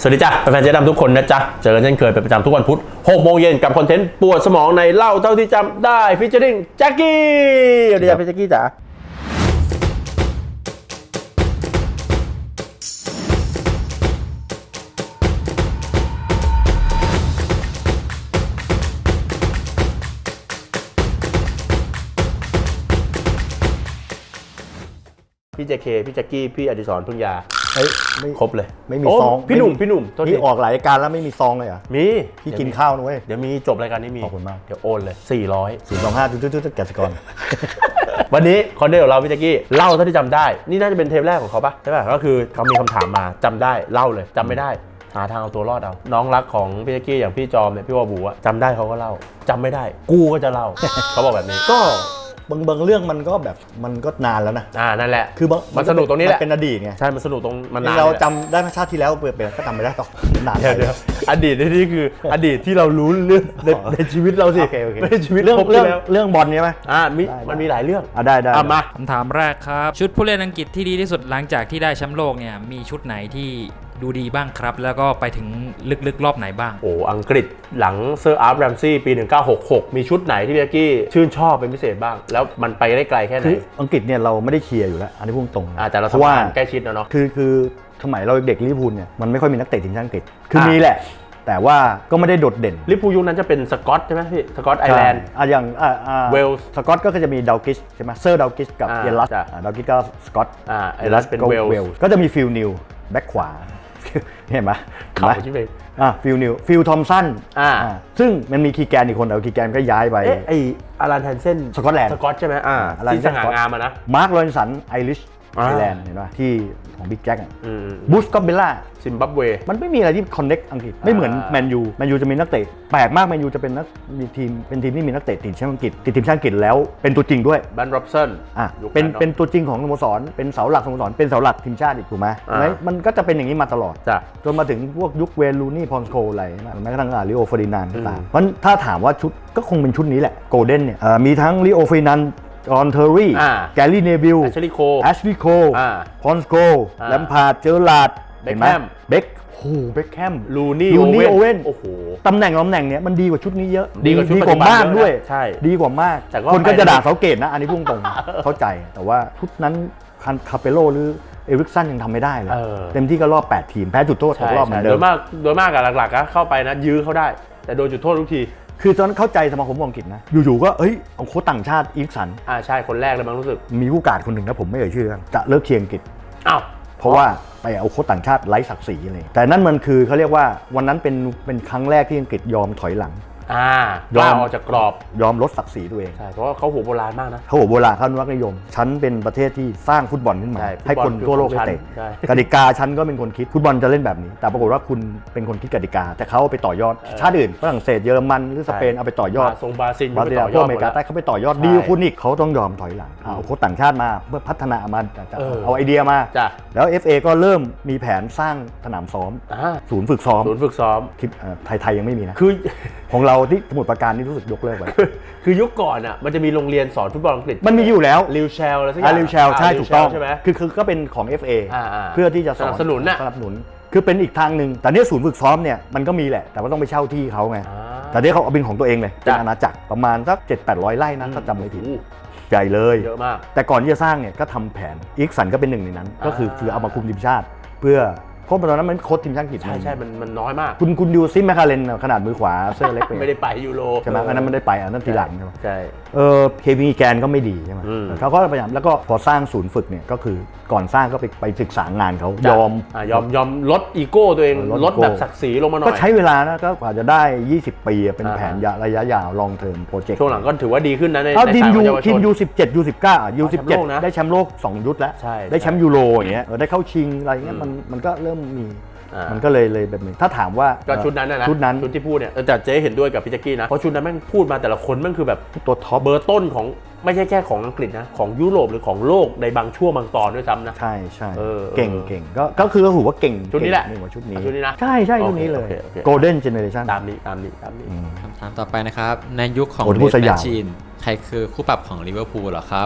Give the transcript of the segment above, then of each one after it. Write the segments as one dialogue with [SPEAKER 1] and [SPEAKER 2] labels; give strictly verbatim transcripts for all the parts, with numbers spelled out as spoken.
[SPEAKER 1] สวัสดีจ้ะแฟนๆเจ๊ดำทุกคนนะจ๊ะเจอกันเช่นเคยเป็นประจำทุกวันพุธหกโมงเย็นกับคอนเทนต์ปวดสมองในเล่าเท่าที่จำได้ฟีเจอริ่งแจ็คกี้สวัสดีจ้ะพี่แจ็คกี้จ๋าพี่เจเคพี่แจ็คกี้พี่อดิศรพึ่งยา
[SPEAKER 2] เฮ้ยไม่
[SPEAKER 1] ครบเลย
[SPEAKER 2] ไม่มีซอง
[SPEAKER 1] พี่หนุ่มพี่หนุ่ม
[SPEAKER 2] นี่ออกหลายรายการแล้วไม่มีซองเลยเหรอ
[SPEAKER 1] มี
[SPEAKER 2] พี่กินข้าวนะเว้ย
[SPEAKER 1] เดี๋ยวมีจบรายการนี้มี
[SPEAKER 2] ขอบคุณมาก
[SPEAKER 1] เดี๋ยวโอนเลยสี่ร้อย
[SPEAKER 2] ศูนย์ สอง ห้า จุดจุดจุดแกสกร
[SPEAKER 1] วันนี้คอนเทนต์ของเราพี่แจ็คกี้เล่าเท่าที่จำได้นี่น่าจะเป็นเทปแรกของเขาปะใช่ป่ะก็คือเขามีคำถามมาจำได้เล่าเลยจำไม่ได้หาทางเอาตัวรอดเอาน้องรักของพี่แจ็คกี้อย่างพี่จอมเนี่ยพี่วอบูอะจำได้เขาก็เล่าจำไม่ได้กูก็จะเล่า เขาบอกแบบนี้
[SPEAKER 2] ก็บางบางเรื่องมันก็แบบมันก็นานแล้วนะ
[SPEAKER 1] อ่านั่นแหละ
[SPEAKER 2] คือบาง
[SPEAKER 1] มันสนุกตรงนี้แหละ
[SPEAKER 2] เป็นอดีตไง
[SPEAKER 1] ใช่มันสนุกตรงมันนาน
[SPEAKER 2] เราจำได้ชาติที่แล้วเปลี่ยนก็จำไม่ได้ต่อนาน
[SPEAKER 1] เดี๋ยวเดี๋ยวอดีตนี่คืออดีตที่เรารู้เรื่องในในชีวิตเราสิไม่ใช่ชีวิต
[SPEAKER 2] เรื่องเรื่องเรื่องบอลใช่ไหม
[SPEAKER 1] อ่ามีมันมีหลายเรื่อง
[SPEAKER 2] อ่ะได้ได้
[SPEAKER 1] มา
[SPEAKER 3] คำถามแรกครับชุดผู้เล่นอังกฤษที่ดีที่สุดหลังจากที่ได้แชมป์โลกเนี่ยมีชุดไหนที่ดูดีบ้างครับแล้วก็ไปถึงลึกๆรอบไหนบ้าง
[SPEAKER 1] โอ้อังกฤษหลังเซอร์อาร์แรมซี่ปีหนึ่งเก้าหกหกมีชุดไหนที่พี่แจ็คกี้ชื่นชอบเป็นพิเศษบ้างแล้วมันไปได้ไกลแค่ไหน
[SPEAKER 2] อังกฤษเนี่ยเราไม่ได้เชียร์อยู่แล้วอันนี้พูดตรง
[SPEAKER 1] อ่าแต่เราสัมผัสใกล้ชิดนะเนาะ
[SPEAKER 2] คือคือสมัยเราเด็กลิเวอร์พูลเนี่ยมันไม่ค่อยมีนักเตะทีมชาติอังกฤษคือมีแหละแต่ว่าก็ไม่ได้โดดเด่น
[SPEAKER 1] ลิเวอร์พูลยุคนั้นจะเป็นสกอตใช่ไหมพี่สกอตไอร์แลนด์
[SPEAKER 2] อ่ะอย่างอ่า
[SPEAKER 1] เวลส์
[SPEAKER 2] สกอตก็จะมีดาวกิชใช่ไหมเซอร์ดาวกิชกับเอลัสดาวกิชก็สกอต
[SPEAKER 1] อ่าเอลัสเป็นเวลส์
[SPEAKER 2] ก็จะมีฟิลนิวแบ็คขวาเห็นไหม
[SPEAKER 1] เขาชื่อเพลง
[SPEAKER 2] อ่าฟิลนิวฟิลทอมสัน
[SPEAKER 1] อ่า
[SPEAKER 2] ซึ่งมันมีคีแกนอีกคนแต่คีแกนก็ย้ายไป
[SPEAKER 1] เอ๊ะไออารันแทนเซน
[SPEAKER 2] สกอตแลนด์
[SPEAKER 1] สกอตใช่ไหมอ่าที่สง่างามนะ
[SPEAKER 2] มาร์คโรนสันไอริชไอร์แลนด์เห็นป่ะที่ของบิ๊กแจ็คบูสก็เบลล่า
[SPEAKER 1] ซิมบับเว
[SPEAKER 2] มันไม่มีอะไรที่คอนเน็กอังกฤษไม่เหมือนแมนยูแมนยูจะมีนักเตะแปลกมากแมนยูจะเป็นนักมีทีมเป็นทีมที่มีนักเตะติดแชมป์อังกฤษติดทีมชาติอังกฤษแล้วเป็นตัวจริงด้วย
[SPEAKER 1] แบนร็อบสัน
[SPEAKER 2] อ่ะเป็นเป็นตัวจริงของสโมสรเป็นเสาหลักสโมสรเป็นเสาหลักทีมชาติอีกถูกไหมมันก็จะเป็นอย่างนี้มาตลอดจนมาถึงพวกยุคเวลูนี่พอนสโคอะไรแม้กระทั่งอาริโอเฟอร์ดินานด์ก็ตามเพราะถ้าถามว่าชุดก็คงเป็นชุดนี้แหละโกลเด้นเนี่ยมีทั้งลิโอเฟอร์ดินานด์จอห์นเทอร์รี่แกลลี่เนวิล
[SPEAKER 1] แอชลีย์โค
[SPEAKER 2] แอชลีย์โคพอนสโกแลมพาร์ดเจอร์ลาร์ด
[SPEAKER 1] เบคแฮม
[SPEAKER 2] เบคโอ้เบคแฮม
[SPEAKER 1] ลูนี่
[SPEAKER 2] ลูนี่โอเว่น
[SPEAKER 1] โอ้โห
[SPEAKER 2] ตำแหน่งตำแหน่งเนี้ยมันดีกว่าชุดนี้เยอะ
[SPEAKER 1] ดีกว่าชุด
[SPEAKER 2] มากด้วย
[SPEAKER 1] ใช่
[SPEAKER 2] ดีกว่ามากคนก็จะด่าเสาเกตนะอันนี้พุ่งตรงเข้าใจแต่ว่าชุดนั้นคาเปโลหรือเอริกสันยังทำไม่ได้เลยเต็มที่ก็รอบแปดทีมแพ้จุดโทษทุกรอบเหมือนเดิม
[SPEAKER 1] โดยมากโดยมากอะหลักๆก็เข้าไปนะยื้อเขาได้แต่โดนจุดโทษทุกที
[SPEAKER 2] คือตอนนั้นเข้าใจสมาคมบอลอังกฤษนะอยู่ๆก็เอ้ยเอาโค้ชต่างชาติอีริกสัน
[SPEAKER 1] อ่าใช่คนแรกเลยมั้งรู้สึก
[SPEAKER 2] มีผู้การคนหนึ่งนะผมไม่เอ่ยชื่อจะเลิกเชียร์อังกฤษ
[SPEAKER 1] อ้าว
[SPEAKER 2] เพราะว่าไปเอาโค้ชต่างชาติไร้ศักดิ์ศรีเลยแต่นั่นมันคือเขาเรียกว่าวันนั้นเป็นเป็นครั้งแรกที่อังกฤษยอมถอยหลัง
[SPEAKER 1] อ่ายอมออกจากกรอบ
[SPEAKER 2] ยอมลดศักดิ์ศรีตัวเอง
[SPEAKER 1] ใช่เพราะว่าเขาหัวโบราณมากนะ
[SPEAKER 2] เขาหัวโบราณเขาอนุรักษ์นิยมฉันเป็นประเทศที่สร้างฟุตบอลขึ้นมาให้คนทั่วโลกได้เตะกติกาฉันก็เป็นคนคิดฟุตบอลจะเล่นแบบนี้แต่ปรากฏว่าคุณเป็นคนคิดกติกาแต่เขาไปต่อยอดชาติอื่นฝรั่งเศสเยอรมันหรือสเปนเอาไปต่อยอด
[SPEAKER 1] ทรงบราซิล
[SPEAKER 2] บราซิลพวกอเมริกาใต้เขาไปต่อยอดดีคุณอีกเขาต้องยอมถอยหลังเอาโค้ชต่างชาติมาเพื่อพัฒนามาเอาไอเดียมาแล้ว เอฟ เอ ก็เริ่มมีแผนสร้างสนามซ้อมศูนย์ฝึกซ้อม
[SPEAKER 1] ศูนย์ฝึกซ้อม
[SPEAKER 2] ไทยๆยังไม่มีนะ
[SPEAKER 1] คือ
[SPEAKER 2] ของเราที่สมุทรปราการนี่รู้สึกยกเลิกไป
[SPEAKER 1] คือยุคก่อนอ่ะมันจะมีโรงเรียนสอนฟุตบอลอังกฤษ
[SPEAKER 2] มันมีอยู่แล้ว
[SPEAKER 1] ลิวเชลอะไรสักอย่าง
[SPEAKER 2] ลิวเชลใช่ถูกต้อง
[SPEAKER 1] ใช่ไหม
[SPEAKER 2] คือคือก็เป็นของ เอฟ เอ เพื่อที่จะ
[SPEAKER 1] สนับสนุนน่ะ
[SPEAKER 2] สนับสนุนคือเป็นอีกทางหนึ่งแต่เนี่ยศูนย์ฝึกซ้อมเนี่ยมันก็มีแหละแต่ว่าต้องไปเช่าที่เขาไงแต่เนี่ยเขาเอาเป็นของตัวเองเลยเป็นอาณาจักรประมาณสัก เจ็ดแปดร้อย ไร่นะถ้าจำไม่ผิดใหญ่เลย
[SPEAKER 1] เยอะมาก
[SPEAKER 2] แต่ก่อนที่จะสร้างเนี่ยก็ทำแผนอีกสันก็เป็นหนึ่งในนั้นก็คือคือเอามาคุมทีมชาติเพื่อเพราะตอนนั้นมันโค้ชทีมชาติอังกฤษ
[SPEAKER 1] ใช่ใช่มันมันน้อยมาก
[SPEAKER 2] คุณคุณดูซิแมคคาเรนขนาดมือขวาเสื้อเล็ก
[SPEAKER 1] ไม่ได้ไปยูโร
[SPEAKER 2] ใช่ไหมอันนั้นมันได้ไปอันนั้นทีหลังใช่ไหม
[SPEAKER 1] ใช่
[SPEAKER 2] เออเคมีแกนก็ไม่ดีใช่ไหมเขาก็พยายามแล้วก็พอสร้างศูนย์ฝึกเนี่ยก็คือก่อนสร้างก็ไปไปศึกษางานเขายอม
[SPEAKER 1] ยอมยอมลดอีโก้ตัวเองลดแบบศักดิ์ศรีลงมาหน่อย
[SPEAKER 2] ก็ใช้เวลานะก็กว่าจะได้ยี่สิบปีเป็นแผนระยะยาวลองเทอมโปรเจกต์
[SPEAKER 1] ช่วงหลังก็ถือว่าดีขึ้นนะใน
[SPEAKER 2] สายทีมยูทีมยูสิบเจ็ดยูสิบเก้ายูสิบเจ็ดได้แชมป์โลกสองยุทธแล้วได้แชมป์ยูโรอย่างเงี้ยได้เข้าชิงอะไรเงี้ยมันมันก็เริ่มมีมันก็เลยเลยแบบนี้ถ้าถามว่า
[SPEAKER 1] ก็ชุดนั้นนะ
[SPEAKER 2] ชุดนั้น
[SPEAKER 1] ชุดที่พูดเนี่ยแต่เจ๊เห็นด้วยกับพี่แจ็คกี้นะเพราะชุดนั้นแม่งพูดมาแต่ละคนแม่งคือแบบ
[SPEAKER 2] ตัวท็อป
[SPEAKER 1] เบอร์ต้นของไม่ใช่แค่ของอังกฤษนะของยุโรปหรือของโลกในบางช่วงบางตอนด้วยซ้ำนะ
[SPEAKER 2] ใช่ใช่เก่งเก่งก็ก็คือถือว่าเก่ง
[SPEAKER 1] ชุดนี้แหละ
[SPEAKER 2] นี่ว่าชุดนี้
[SPEAKER 1] ชุดนี้นะ
[SPEAKER 2] ใช่ใช่ชุดนี้เลย Golden Generation
[SPEAKER 1] ตามนี้ตามนี้ตามนี้
[SPEAKER 3] คำถามต่อไปนะครับในยุคของ
[SPEAKER 2] เดนแมชชีน
[SPEAKER 3] ใครคือคู่ปรับของลิเวอร์พูลเหรอครับ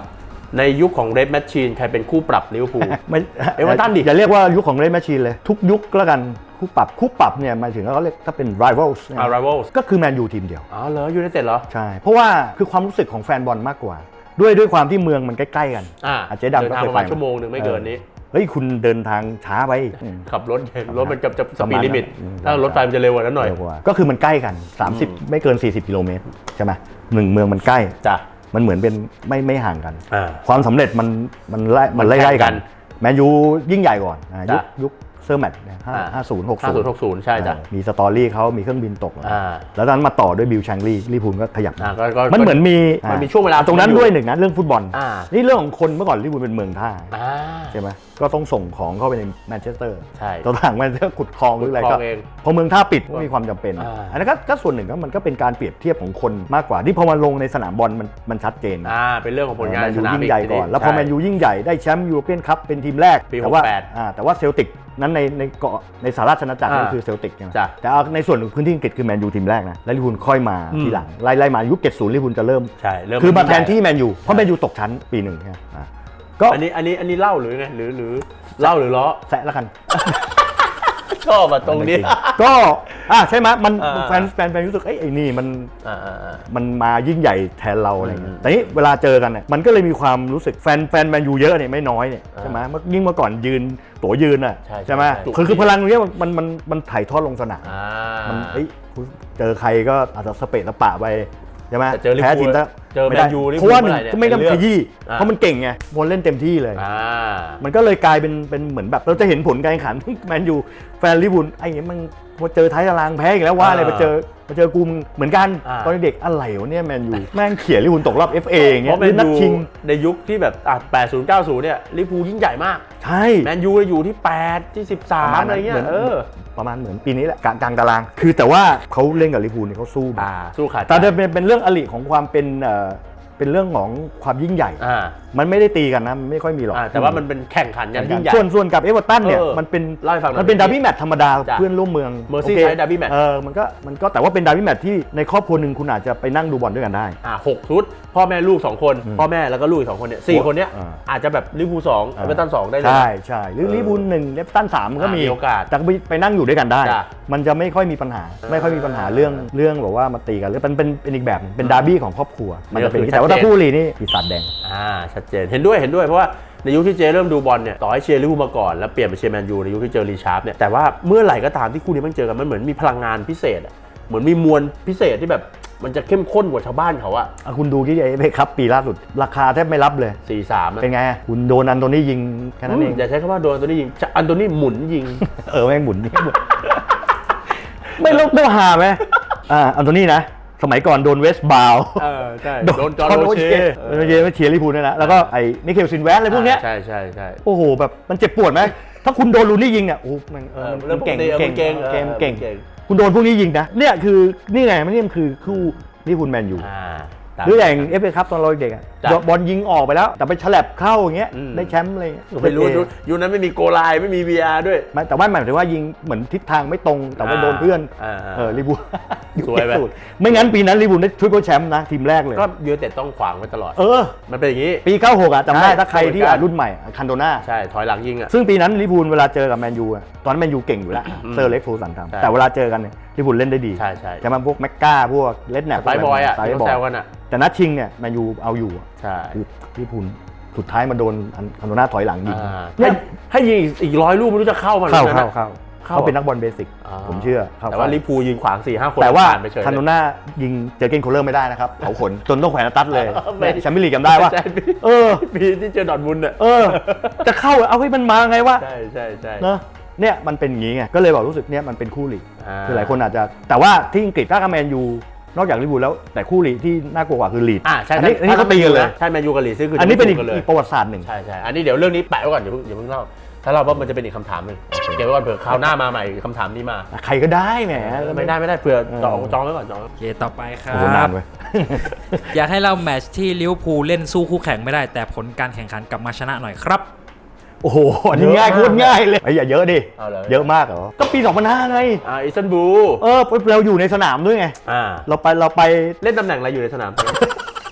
[SPEAKER 1] ในยุคของเรดแมชชีนใครเป็นคู่ปรับลิเวอร์พูล
[SPEAKER 2] ไม่
[SPEAKER 1] เอเวอร์ตันดิ
[SPEAKER 2] อย่าเรียกว่ายุคของเรดแมชชีนเลยทุกยุคแล้วกันคู่ปรับคู่ปรับเนี่ยหมายถึงเขาเรียกถ้าเป็น rivals เนี่ย
[SPEAKER 1] อ่า rivals
[SPEAKER 2] ก็คือแมนยูทีมเดียว
[SPEAKER 1] อ๋อเหรอยูไนเต็ดเหรอ
[SPEAKER 2] ใช่เพราะว่าคือความรู้สึกของแฟนบอลมากกว่า ด้วยด้วยความที่เมืองมันใกล้ๆกัน
[SPEAKER 1] อ่า
[SPEAKER 2] อ่ะเจ๊ดำ
[SPEAKER 1] เดิน
[SPEAKER 2] ก็
[SPEAKER 1] ทาง
[SPEAKER 2] เคย
[SPEAKER 1] ประ
[SPEAKER 2] ไป
[SPEAKER 1] มาณชั่วโมงหนึ่งไม่เกินนี้
[SPEAKER 2] เฮ้ยคุณเดินทางช้าไป
[SPEAKER 1] ขับรถรถมันเกับจะส
[SPEAKER 2] ประ
[SPEAKER 1] ปี
[SPEAKER 2] มา
[SPEAKER 1] ด
[SPEAKER 2] ณ
[SPEAKER 1] ลิมิต
[SPEAKER 2] อืม
[SPEAKER 1] ถ้ารถไฟมันจะเร็วกว่านั้นหน่อย
[SPEAKER 2] เร็วกว่าก็คือมันใกล้กัน สามสิบ ไม่เกิน สี่สิบกิโลเมตรใช่ไหมหนึ่งเมืองมันใกล้
[SPEAKER 1] จ้ะ
[SPEAKER 2] มันเหมือนเป็นไม่ไม่ห่างกัน
[SPEAKER 1] อ่า
[SPEAKER 2] ความสำเร็จมันมันไล่มัน
[SPEAKER 1] มันแข่ง
[SPEAKER 2] ไล่ๆ
[SPEAKER 1] กั
[SPEAKER 2] กัน นแมนยูยิ่งใหญ่ก่อนอ่ะยุค
[SPEAKER 1] จ้ะ
[SPEAKER 2] ยุคเซอร์แมตต์เนี่ยห้า
[SPEAKER 1] อ่า
[SPEAKER 2] ห้าศูนย์หก
[SPEAKER 1] ห้าศู
[SPEAKER 2] ศู
[SPEAKER 1] น
[SPEAKER 2] น
[SPEAKER 1] ย์
[SPEAKER 2] ย์
[SPEAKER 1] หกศูนย์ใช่จ้ะ
[SPEAKER 2] มีสตอรี่เขามีเครื่องบินตก
[SPEAKER 1] อ่า
[SPEAKER 2] แล้วตอนนั้นมาต่อด้วยบิลแชงลีลิเวอร์พูลก็ขยับ
[SPEAKER 1] อ่าก็ก็
[SPEAKER 2] มันเหมือนมี
[SPEAKER 1] มันมีช่วงเวลา
[SPEAKER 2] ตรงนั้น
[SPEAKER 1] อยู่
[SPEAKER 2] ด้วยหนึ่งนะเรื่องฟุตบอล
[SPEAKER 1] อ่า
[SPEAKER 2] นี่เรื่องของคนเมื่อก่อนลิเวอร์พูลเป็นเมืองท่า
[SPEAKER 1] อ่า
[SPEAKER 2] ใช่ไหมก็ต้องส่งของเข้าไปในแมนเชสเตอร์
[SPEAKER 1] ใช่
[SPEAKER 2] ตอนหลังแมนเชสเตอร์ขุดคลองหรืออะไร
[SPEAKER 1] ขุดคล
[SPEAKER 2] ก็
[SPEAKER 1] องเอง
[SPEAKER 2] พอเมืองท่าปิดก็มีความจำเป็น
[SPEAKER 1] อ่า
[SPEAKER 2] อันนั้นก็ก็ส่วนหนึ่งก็มันก็เป็นการเปรียบเทียบของคนมากกว่าที่พอมาลงในสนามบอลมันมันชัดเจนนะ
[SPEAKER 1] อ่าเป็นเรื่องของผลงาน
[SPEAKER 2] แมน
[SPEAKER 1] ใน
[SPEAKER 2] ยู
[SPEAKER 1] สนาม
[SPEAKER 2] ยิ่งใหญ่ก่อน แล้วพอแมนยูยิ่งใหญ่ได้แชมป์ยูโรเปียนคัพเป็นทีมแรก
[SPEAKER 1] ปี
[SPEAKER 2] แต่ว่า
[SPEAKER 1] หกแปด
[SPEAKER 2] อ่าแต่ว่าเซลติกนั้นในในเกาะในสหราชอาณาจักร
[SPEAKER 1] อ่า
[SPEAKER 2] ก็คือเซลติกใช่ไหม
[SPEAKER 1] จ้ะ
[SPEAKER 2] แต่เอาในส่วนของพื้นที่อังกฤษคือแมนยูทีมแรกนะแล้วลิเวอร์พูลค่อยมา
[SPEAKER 1] อืม
[SPEAKER 2] ทีหลังไล่ไล่มายุคเจ็ดสิบลิเวอร์พูลจะเริ่ม
[SPEAKER 1] ใช่เริ่ม
[SPEAKER 2] คือมาแทนที่แมนยูเพราะแมนยูตกชั้นปีหนึ่งใช่ไหมอ่าก็
[SPEAKER 1] อันนี้อันนี้อันนี้เล่าหรือไงหรือหรือเล่าหรือล้อ
[SPEAKER 2] แซะแล้วกัน
[SPEAKER 1] ชอบอะตรงนี้
[SPEAKER 2] ก็อ่ะใช่ไหมมัน
[SPEAKER 1] อ่า
[SPEAKER 2] แฟนแฟนแฟนรู้สึกเอ้ยไอ้นี่มัน
[SPEAKER 1] อ่าอ่าอ่า
[SPEAKER 2] มันมายิ่งใหญ่แทนเราอะไร
[SPEAKER 1] อื
[SPEAKER 2] เงี้ย
[SPEAKER 1] ม
[SPEAKER 2] แต่นี่เวลาเจอกันเนี่ยมันก็เลยมีความรู้สึกแฟนแฟนแมนยูเยอะเนี่ยไม่น้อยเนี่ย
[SPEAKER 1] อ่า
[SPEAKER 2] ใช่ไหมเมื่อยิ่งเมื่อก่อนยืนตั๋วยืนอ่ะ
[SPEAKER 1] ใช่ใช่
[SPEAKER 2] ใช่ไหม
[SPEAKER 1] ใช่
[SPEAKER 2] คือคือพลังตรงเนี้ยมันมันมันมันถ่ายทอดลงสนาม
[SPEAKER 1] อ่า
[SPEAKER 2] มันเอ้ยเจอใครก็อาจจะสเปะสปะไปใช่ไหม
[SPEAKER 1] แต่เจอลิเวอร์พูล
[SPEAKER 2] แพ้ทีมแล้ว
[SPEAKER 1] เจอแมน
[SPEAKER 2] ไได้
[SPEAKER 1] ยูลิเวอร์พูล
[SPEAKER 2] เพราะว่าหนึ่ง
[SPEAKER 1] เมื่อไหร่เนี่ย
[SPEAKER 2] ก็ไม่ต้อง
[SPEAKER 1] เป็น
[SPEAKER 2] ข
[SPEAKER 1] เรื่อง
[SPEAKER 2] ยี้
[SPEAKER 1] อ่า
[SPEAKER 2] เพราะมันเก่งไงบอลเล่นเต็มที่เลย
[SPEAKER 1] อ่า
[SPEAKER 2] มันก็เลยกลายเป็นเป็นเหมือนแบบเราจะเห็นผลการแข่งขัน แมนยูแฟนลิเวอร์พูลไอ้เงี้ยมันพอเจอท้ายตารางแพ้อีกแล้วว่าอะไร
[SPEAKER 1] อ่า
[SPEAKER 2] มาเจอมาเจอกูมึงเหมือนกัน
[SPEAKER 1] อ่า
[SPEAKER 2] ตอนเด็กอะไรวะเนี่ยแมนยูแม่งเขี่ยลิเวอร์พูลตกรอบ เอฟ เอ อย่าง
[SPEAKER 1] เพ
[SPEAKER 2] เงี้ย
[SPEAKER 1] ราะแม
[SPEAKER 2] หรือน นัด
[SPEAKER 1] ยู
[SPEAKER 2] ชิง
[SPEAKER 1] ในยุคที่แบบอ่ะแปดศูนย์ เก้าศูนย์เนี่ยลิเวอร์พูลยิ่งใหญ่มาก
[SPEAKER 2] ใช่
[SPEAKER 1] แมนยูอยู่ที่แปดที่สิบสามอะไรเงี้ย
[SPEAKER 2] หมืน
[SPEAKER 1] เออ
[SPEAKER 2] ประมาณเหมือนปีนี้แหละกลางกลางตาราง คือแต่ว่าเขาเล่นกับลิเวอร์พูลเนี่ยเขาสู้
[SPEAKER 1] อ่าสู้ขาด
[SPEAKER 2] แต่จะเป็นเป็นเรื่องอลิของความเป็นเอ่อเป็นเรื่องของความยิ่งใหญ่
[SPEAKER 1] อ่า
[SPEAKER 2] มันไม่ได้ตีกันนะมันไม่ค่อยมีหรอก
[SPEAKER 1] อ่าแต่ว่ามันเป็นแข่งขันกันยิ่งใหญ่
[SPEAKER 2] ส่วนส่วนกับเอเวอร์ตันเนี่ย
[SPEAKER 1] เออ
[SPEAKER 2] มันเป็น
[SPEAKER 1] เล่าให้ฟังหน่อย
[SPEAKER 2] มันเป็นดาร์บี้แมตช์ธรรมดา
[SPEAKER 1] จ้ะ
[SPEAKER 2] เพื่อนร่วมเมือง
[SPEAKER 1] Merseyside
[SPEAKER 2] โอค
[SPEAKER 1] Derby match
[SPEAKER 2] เออมันก็มันก็แต่ว่าเป็นดาร์บี้แมตช์ที่ในครอบครัวหนึ่งคุณอาจจะไปนั่งดูบอลด้วยกันได้
[SPEAKER 1] อ่าหกชุด พ่อแม่ลูกสองคน
[SPEAKER 2] อืม
[SPEAKER 1] พ่อแม่แล้วก็ลูกอีกสองคนเนี่ยสี่คนเนี้ย
[SPEAKER 2] อ่า
[SPEAKER 1] อาจจะแบบลิเวอร์พูลสองเอเวอร์ตันสองได้เลย
[SPEAKER 2] ใช่ใช่หรือ
[SPEAKER 1] เออ
[SPEAKER 2] ลิเวอร์พูลหนึ่งเอเวอร์ตันสามมันก็
[SPEAKER 1] อ่ามี
[SPEAKER 2] มี
[SPEAKER 1] โอกาส
[SPEAKER 2] แต่ก็ไปไปนั่งอยู่ด้วยกันได้
[SPEAKER 1] จ้ะ
[SPEAKER 2] มันจะไม่ค่อยมีปัญหา ไม่ค่อยมีปัญหาเรื่องเรื่องแบบว่ามาตีกันหรือเป็นเป็นเป็นอีกแบบหนึ่งเป็นดาร์บี้ของครอบครัวมันจะเป็นอย่างนี้
[SPEAKER 1] ชัดเจน
[SPEAKER 2] แต่ว่าถ้าคู่ลีนี่ปีศาจแดง
[SPEAKER 1] อ่าชัดเจนเห็นด้วยเห็นด้วยเพราะว่าในยุคที่เจเริ่มดูบอลเนี่ยต่อให้เชียร์ลิเวอร์พูลมาก่อนแล้วเปลี่ยนไปเชียร์แมนยูในยุคที่เจอรีชาร์ปเนี่ยแต่ว่าเมื่อไหร่ก็ตามที่คู่นี้มันเจอกันมันเหมือนมีพลังงานพิเศษอะเหมือนมีมวลพิเศษที่แบบมันจะเข้มข้นกว่าชาวบ้านเขาอะ
[SPEAKER 2] อ่ะคุณดูที่ไอ้เอฟครับปีล่าสุด ราคาแทบไม่รับเลย
[SPEAKER 1] สี่สาม
[SPEAKER 2] เป็นไงอ่ะคุณโดนอันโตนี่ยิงแค่นั้นเอง
[SPEAKER 1] อย่าใช้คำว่าโดนอันโตนี่ยิงอันโตนี่หมุนยิง
[SPEAKER 2] เออแม่งหมุนนี่หมุน ไม่ลบไม่หาไหมอ่าอันโตนี่นะ สมัยก่อนโดนเวสต์บาว
[SPEAKER 1] เออใช่โดนจอร์โรเช่
[SPEAKER 2] โดนเยไม่เชียร์ลิเวอร์พูลด้วยนะแล้วก็ไอ้มิเคลซินแวสอะไรพวกเนี้ย
[SPEAKER 1] ใช่ใช่ใช่
[SPEAKER 2] โอ้โหแบบมันเจ็บปวดไหมถ้าคุณโดนลูนี่ยิงเนี่ยโอ้โหมันเออ
[SPEAKER 1] เออเรื่
[SPEAKER 2] มั
[SPEAKER 1] อง
[SPEAKER 2] นเก่ง
[SPEAKER 1] ปกติเออ
[SPEAKER 2] เก่ง
[SPEAKER 1] มันเก่ง
[SPEAKER 2] เก่ง
[SPEAKER 1] เออ
[SPEAKER 2] เก่ง
[SPEAKER 1] มันเก่ง
[SPEAKER 2] คุณโดนพวกนี้ยิงนะเนี่ยคือนี่ไงมันนี่มันคือคู่ลิเวอร์พูลแมนยู
[SPEAKER 1] อ่า
[SPEAKER 2] หรืออย่างเอฟเอคัพตอนเราเด็กอ่ะ
[SPEAKER 1] จ้ะ
[SPEAKER 2] บอลยิงออกไปแล้ว แต่ไปฉลับเข้าอย่างเงี้ย
[SPEAKER 1] อืม
[SPEAKER 2] ได้แชมป์อะไรเงี้ย
[SPEAKER 1] ไม่รู้
[SPEAKER 2] เออ
[SPEAKER 1] ยุคนั้นไม่มีโกไลน์ไม่มี วี อาร์ ด้วย
[SPEAKER 2] ไม่แต่ว่าหมายถึงว่ายิงเหมือนทิศทางไม่ตรงแต่ว่าโดนเพื่อน
[SPEAKER 1] อ่าอ่า
[SPEAKER 2] เออลิเวอร์พูล
[SPEAKER 1] สวยไหม
[SPEAKER 2] สุดไม่งั้นปีนั้นลิเวอร์พูลได้ทริปเปิลแชมป์นะทีมแรกเลย
[SPEAKER 1] ก็ยูไนเต็ดต้องขวางไว้ตลอด
[SPEAKER 2] เออ
[SPEAKER 1] มันเป็นอย่างนี้
[SPEAKER 2] ปีเก้าหกอ่ะจำได้
[SPEAKER 1] ใช่
[SPEAKER 2] ถ้าใครที่
[SPEAKER 1] เหมือนกัน
[SPEAKER 2] อ่ะรุ่นใหม่คันโดนา
[SPEAKER 1] ใช่ถอยหลังยิงอ่ะ
[SPEAKER 2] ซึ่งปีนั้นลิเวอร์พูลเวลาเจอกับแมนยูอะตอนนั้นแมนยูเก่งอยู่แล้ว
[SPEAKER 1] อืม
[SPEAKER 2] เซอร์เล็กซ์ฟูสัน
[SPEAKER 1] ใช่
[SPEAKER 2] ทำแต่เวลาเจอกันเนี่ยลิเวอร์พูลเล่นได้ดี
[SPEAKER 1] ใช่ใช่
[SPEAKER 2] ใช่ไหมพวกแม็กกาพวกเลดแนป
[SPEAKER 1] สไปร์บอยอ่ะ
[SPEAKER 2] สไป
[SPEAKER 1] ที่
[SPEAKER 2] ร์
[SPEAKER 1] เขา
[SPEAKER 2] บอ
[SPEAKER 1] แซ
[SPEAKER 2] ยว
[SPEAKER 1] กันอ่ะ
[SPEAKER 2] แต่นัดชิงเนี่ยแมนยูเอาอยู่อะ
[SPEAKER 1] ใช่
[SPEAKER 2] คือลิเวอร์พูลสุดท้ายมาโดนคันโดนาถอยหลังยิง
[SPEAKER 1] อ่า
[SPEAKER 2] เนี่
[SPEAKER 1] ให้
[SPEAKER 2] ย
[SPEAKER 1] ให้ยิงอีกร้อยลูกไม่รู้จะเข้ามา
[SPEAKER 2] เข้า
[SPEAKER 1] หรือ
[SPEAKER 2] เข้า
[SPEAKER 1] นะ
[SPEAKER 2] เข้า
[SPEAKER 1] เข้า
[SPEAKER 2] เขาเป็นนักบอลเบสิก
[SPEAKER 1] อ่า
[SPEAKER 2] ผมเชื่อเข้
[SPEAKER 1] แต่ว่าลิเวอร์พูลยืนขวางสี่ห้าคน
[SPEAKER 2] แต่ว่า
[SPEAKER 1] ผ่นไปเฉย
[SPEAKER 2] คันโดนายิงเจอเกนโคลเลอร์ไม่ได้นะครับเผาขนจนต้องแขวนตัดเลย
[SPEAKER 1] ไม่
[SPEAKER 2] แชมเปี้ยนลีกจำได้ว่า
[SPEAKER 1] ใช่
[SPEAKER 2] เออ
[SPEAKER 1] ปีที่เจอดอร์ทมุนด์อ่ะ
[SPEAKER 2] เออ จะเข้าเอาให้มันมาไงวะ
[SPEAKER 1] ใช่ใช่ใช่
[SPEAKER 2] เนอะเนี่ยมันเป็นอย่างงี้ไงก็เลยบอกรู้สึกเนี่ยมันเป็นคู่หลีก
[SPEAKER 1] อ่า
[SPEAKER 2] คือหลายคนอาจจะแต่ว่าที่อังกฤษถ้ากับแมนยูนอกจากลิเวอร์พูลแล้วแต่คู่หลีกที่น่ากลัวกว่าคือลีด
[SPEAKER 1] อ่าใช่
[SPEAKER 2] อันนี้อันนี้เขาตีกันเลย
[SPEAKER 1] ใช่แมนยูกับลีดซึ่งคือ
[SPEAKER 2] อั
[SPEAKER 1] อั
[SPEAKER 2] นนี้เป็นอีก
[SPEAKER 1] เลย
[SPEAKER 2] อีกประวัติศาสตร์หนึ่ง
[SPEAKER 1] ใช่ใช่อันนี้เดี๋ยวเรื่องนี้แปะไว้ก่อนอย่าเพิ่งอย่าเพิ่งเล่าถ้าเราว่ามันจะเป็นอีกคำถามหนึ่งเก็บไว้ก่อนเผื่อคราวหน้ามาใหม่คำถามนี้มา
[SPEAKER 2] ใครก็ได้แหม
[SPEAKER 1] ไม่ได้ไม่ได้เผื่อจอง
[SPEAKER 2] เออ
[SPEAKER 1] จองไว้ก่อนจอง
[SPEAKER 3] โอเคต่อไปครั
[SPEAKER 2] โอ้โหนา
[SPEAKER 3] บ
[SPEAKER 2] นเว้ย
[SPEAKER 3] อยากให้เราแมตช์ที่ลิเวอร์พูลเล่นสู้คู่แข่งไม่ได้แต่ผลการแข่งขันกลับมาชนะหน่อยครับ
[SPEAKER 2] โอ้โหอันนี้ง่ายโคตรง่ายเลยไอ้ยอย่าเยอะดิ
[SPEAKER 1] เอาเลย
[SPEAKER 2] เยอะมากเหรอก็ปีสองพันห้าไง
[SPEAKER 1] อ่าอิสตันบูล
[SPEAKER 2] เออเราอยู่ในสนามด้วยไง
[SPEAKER 1] อ่า
[SPEAKER 2] เราไปเราไป
[SPEAKER 1] เล่นตำแหน่งอะไรอยู่ในสนาม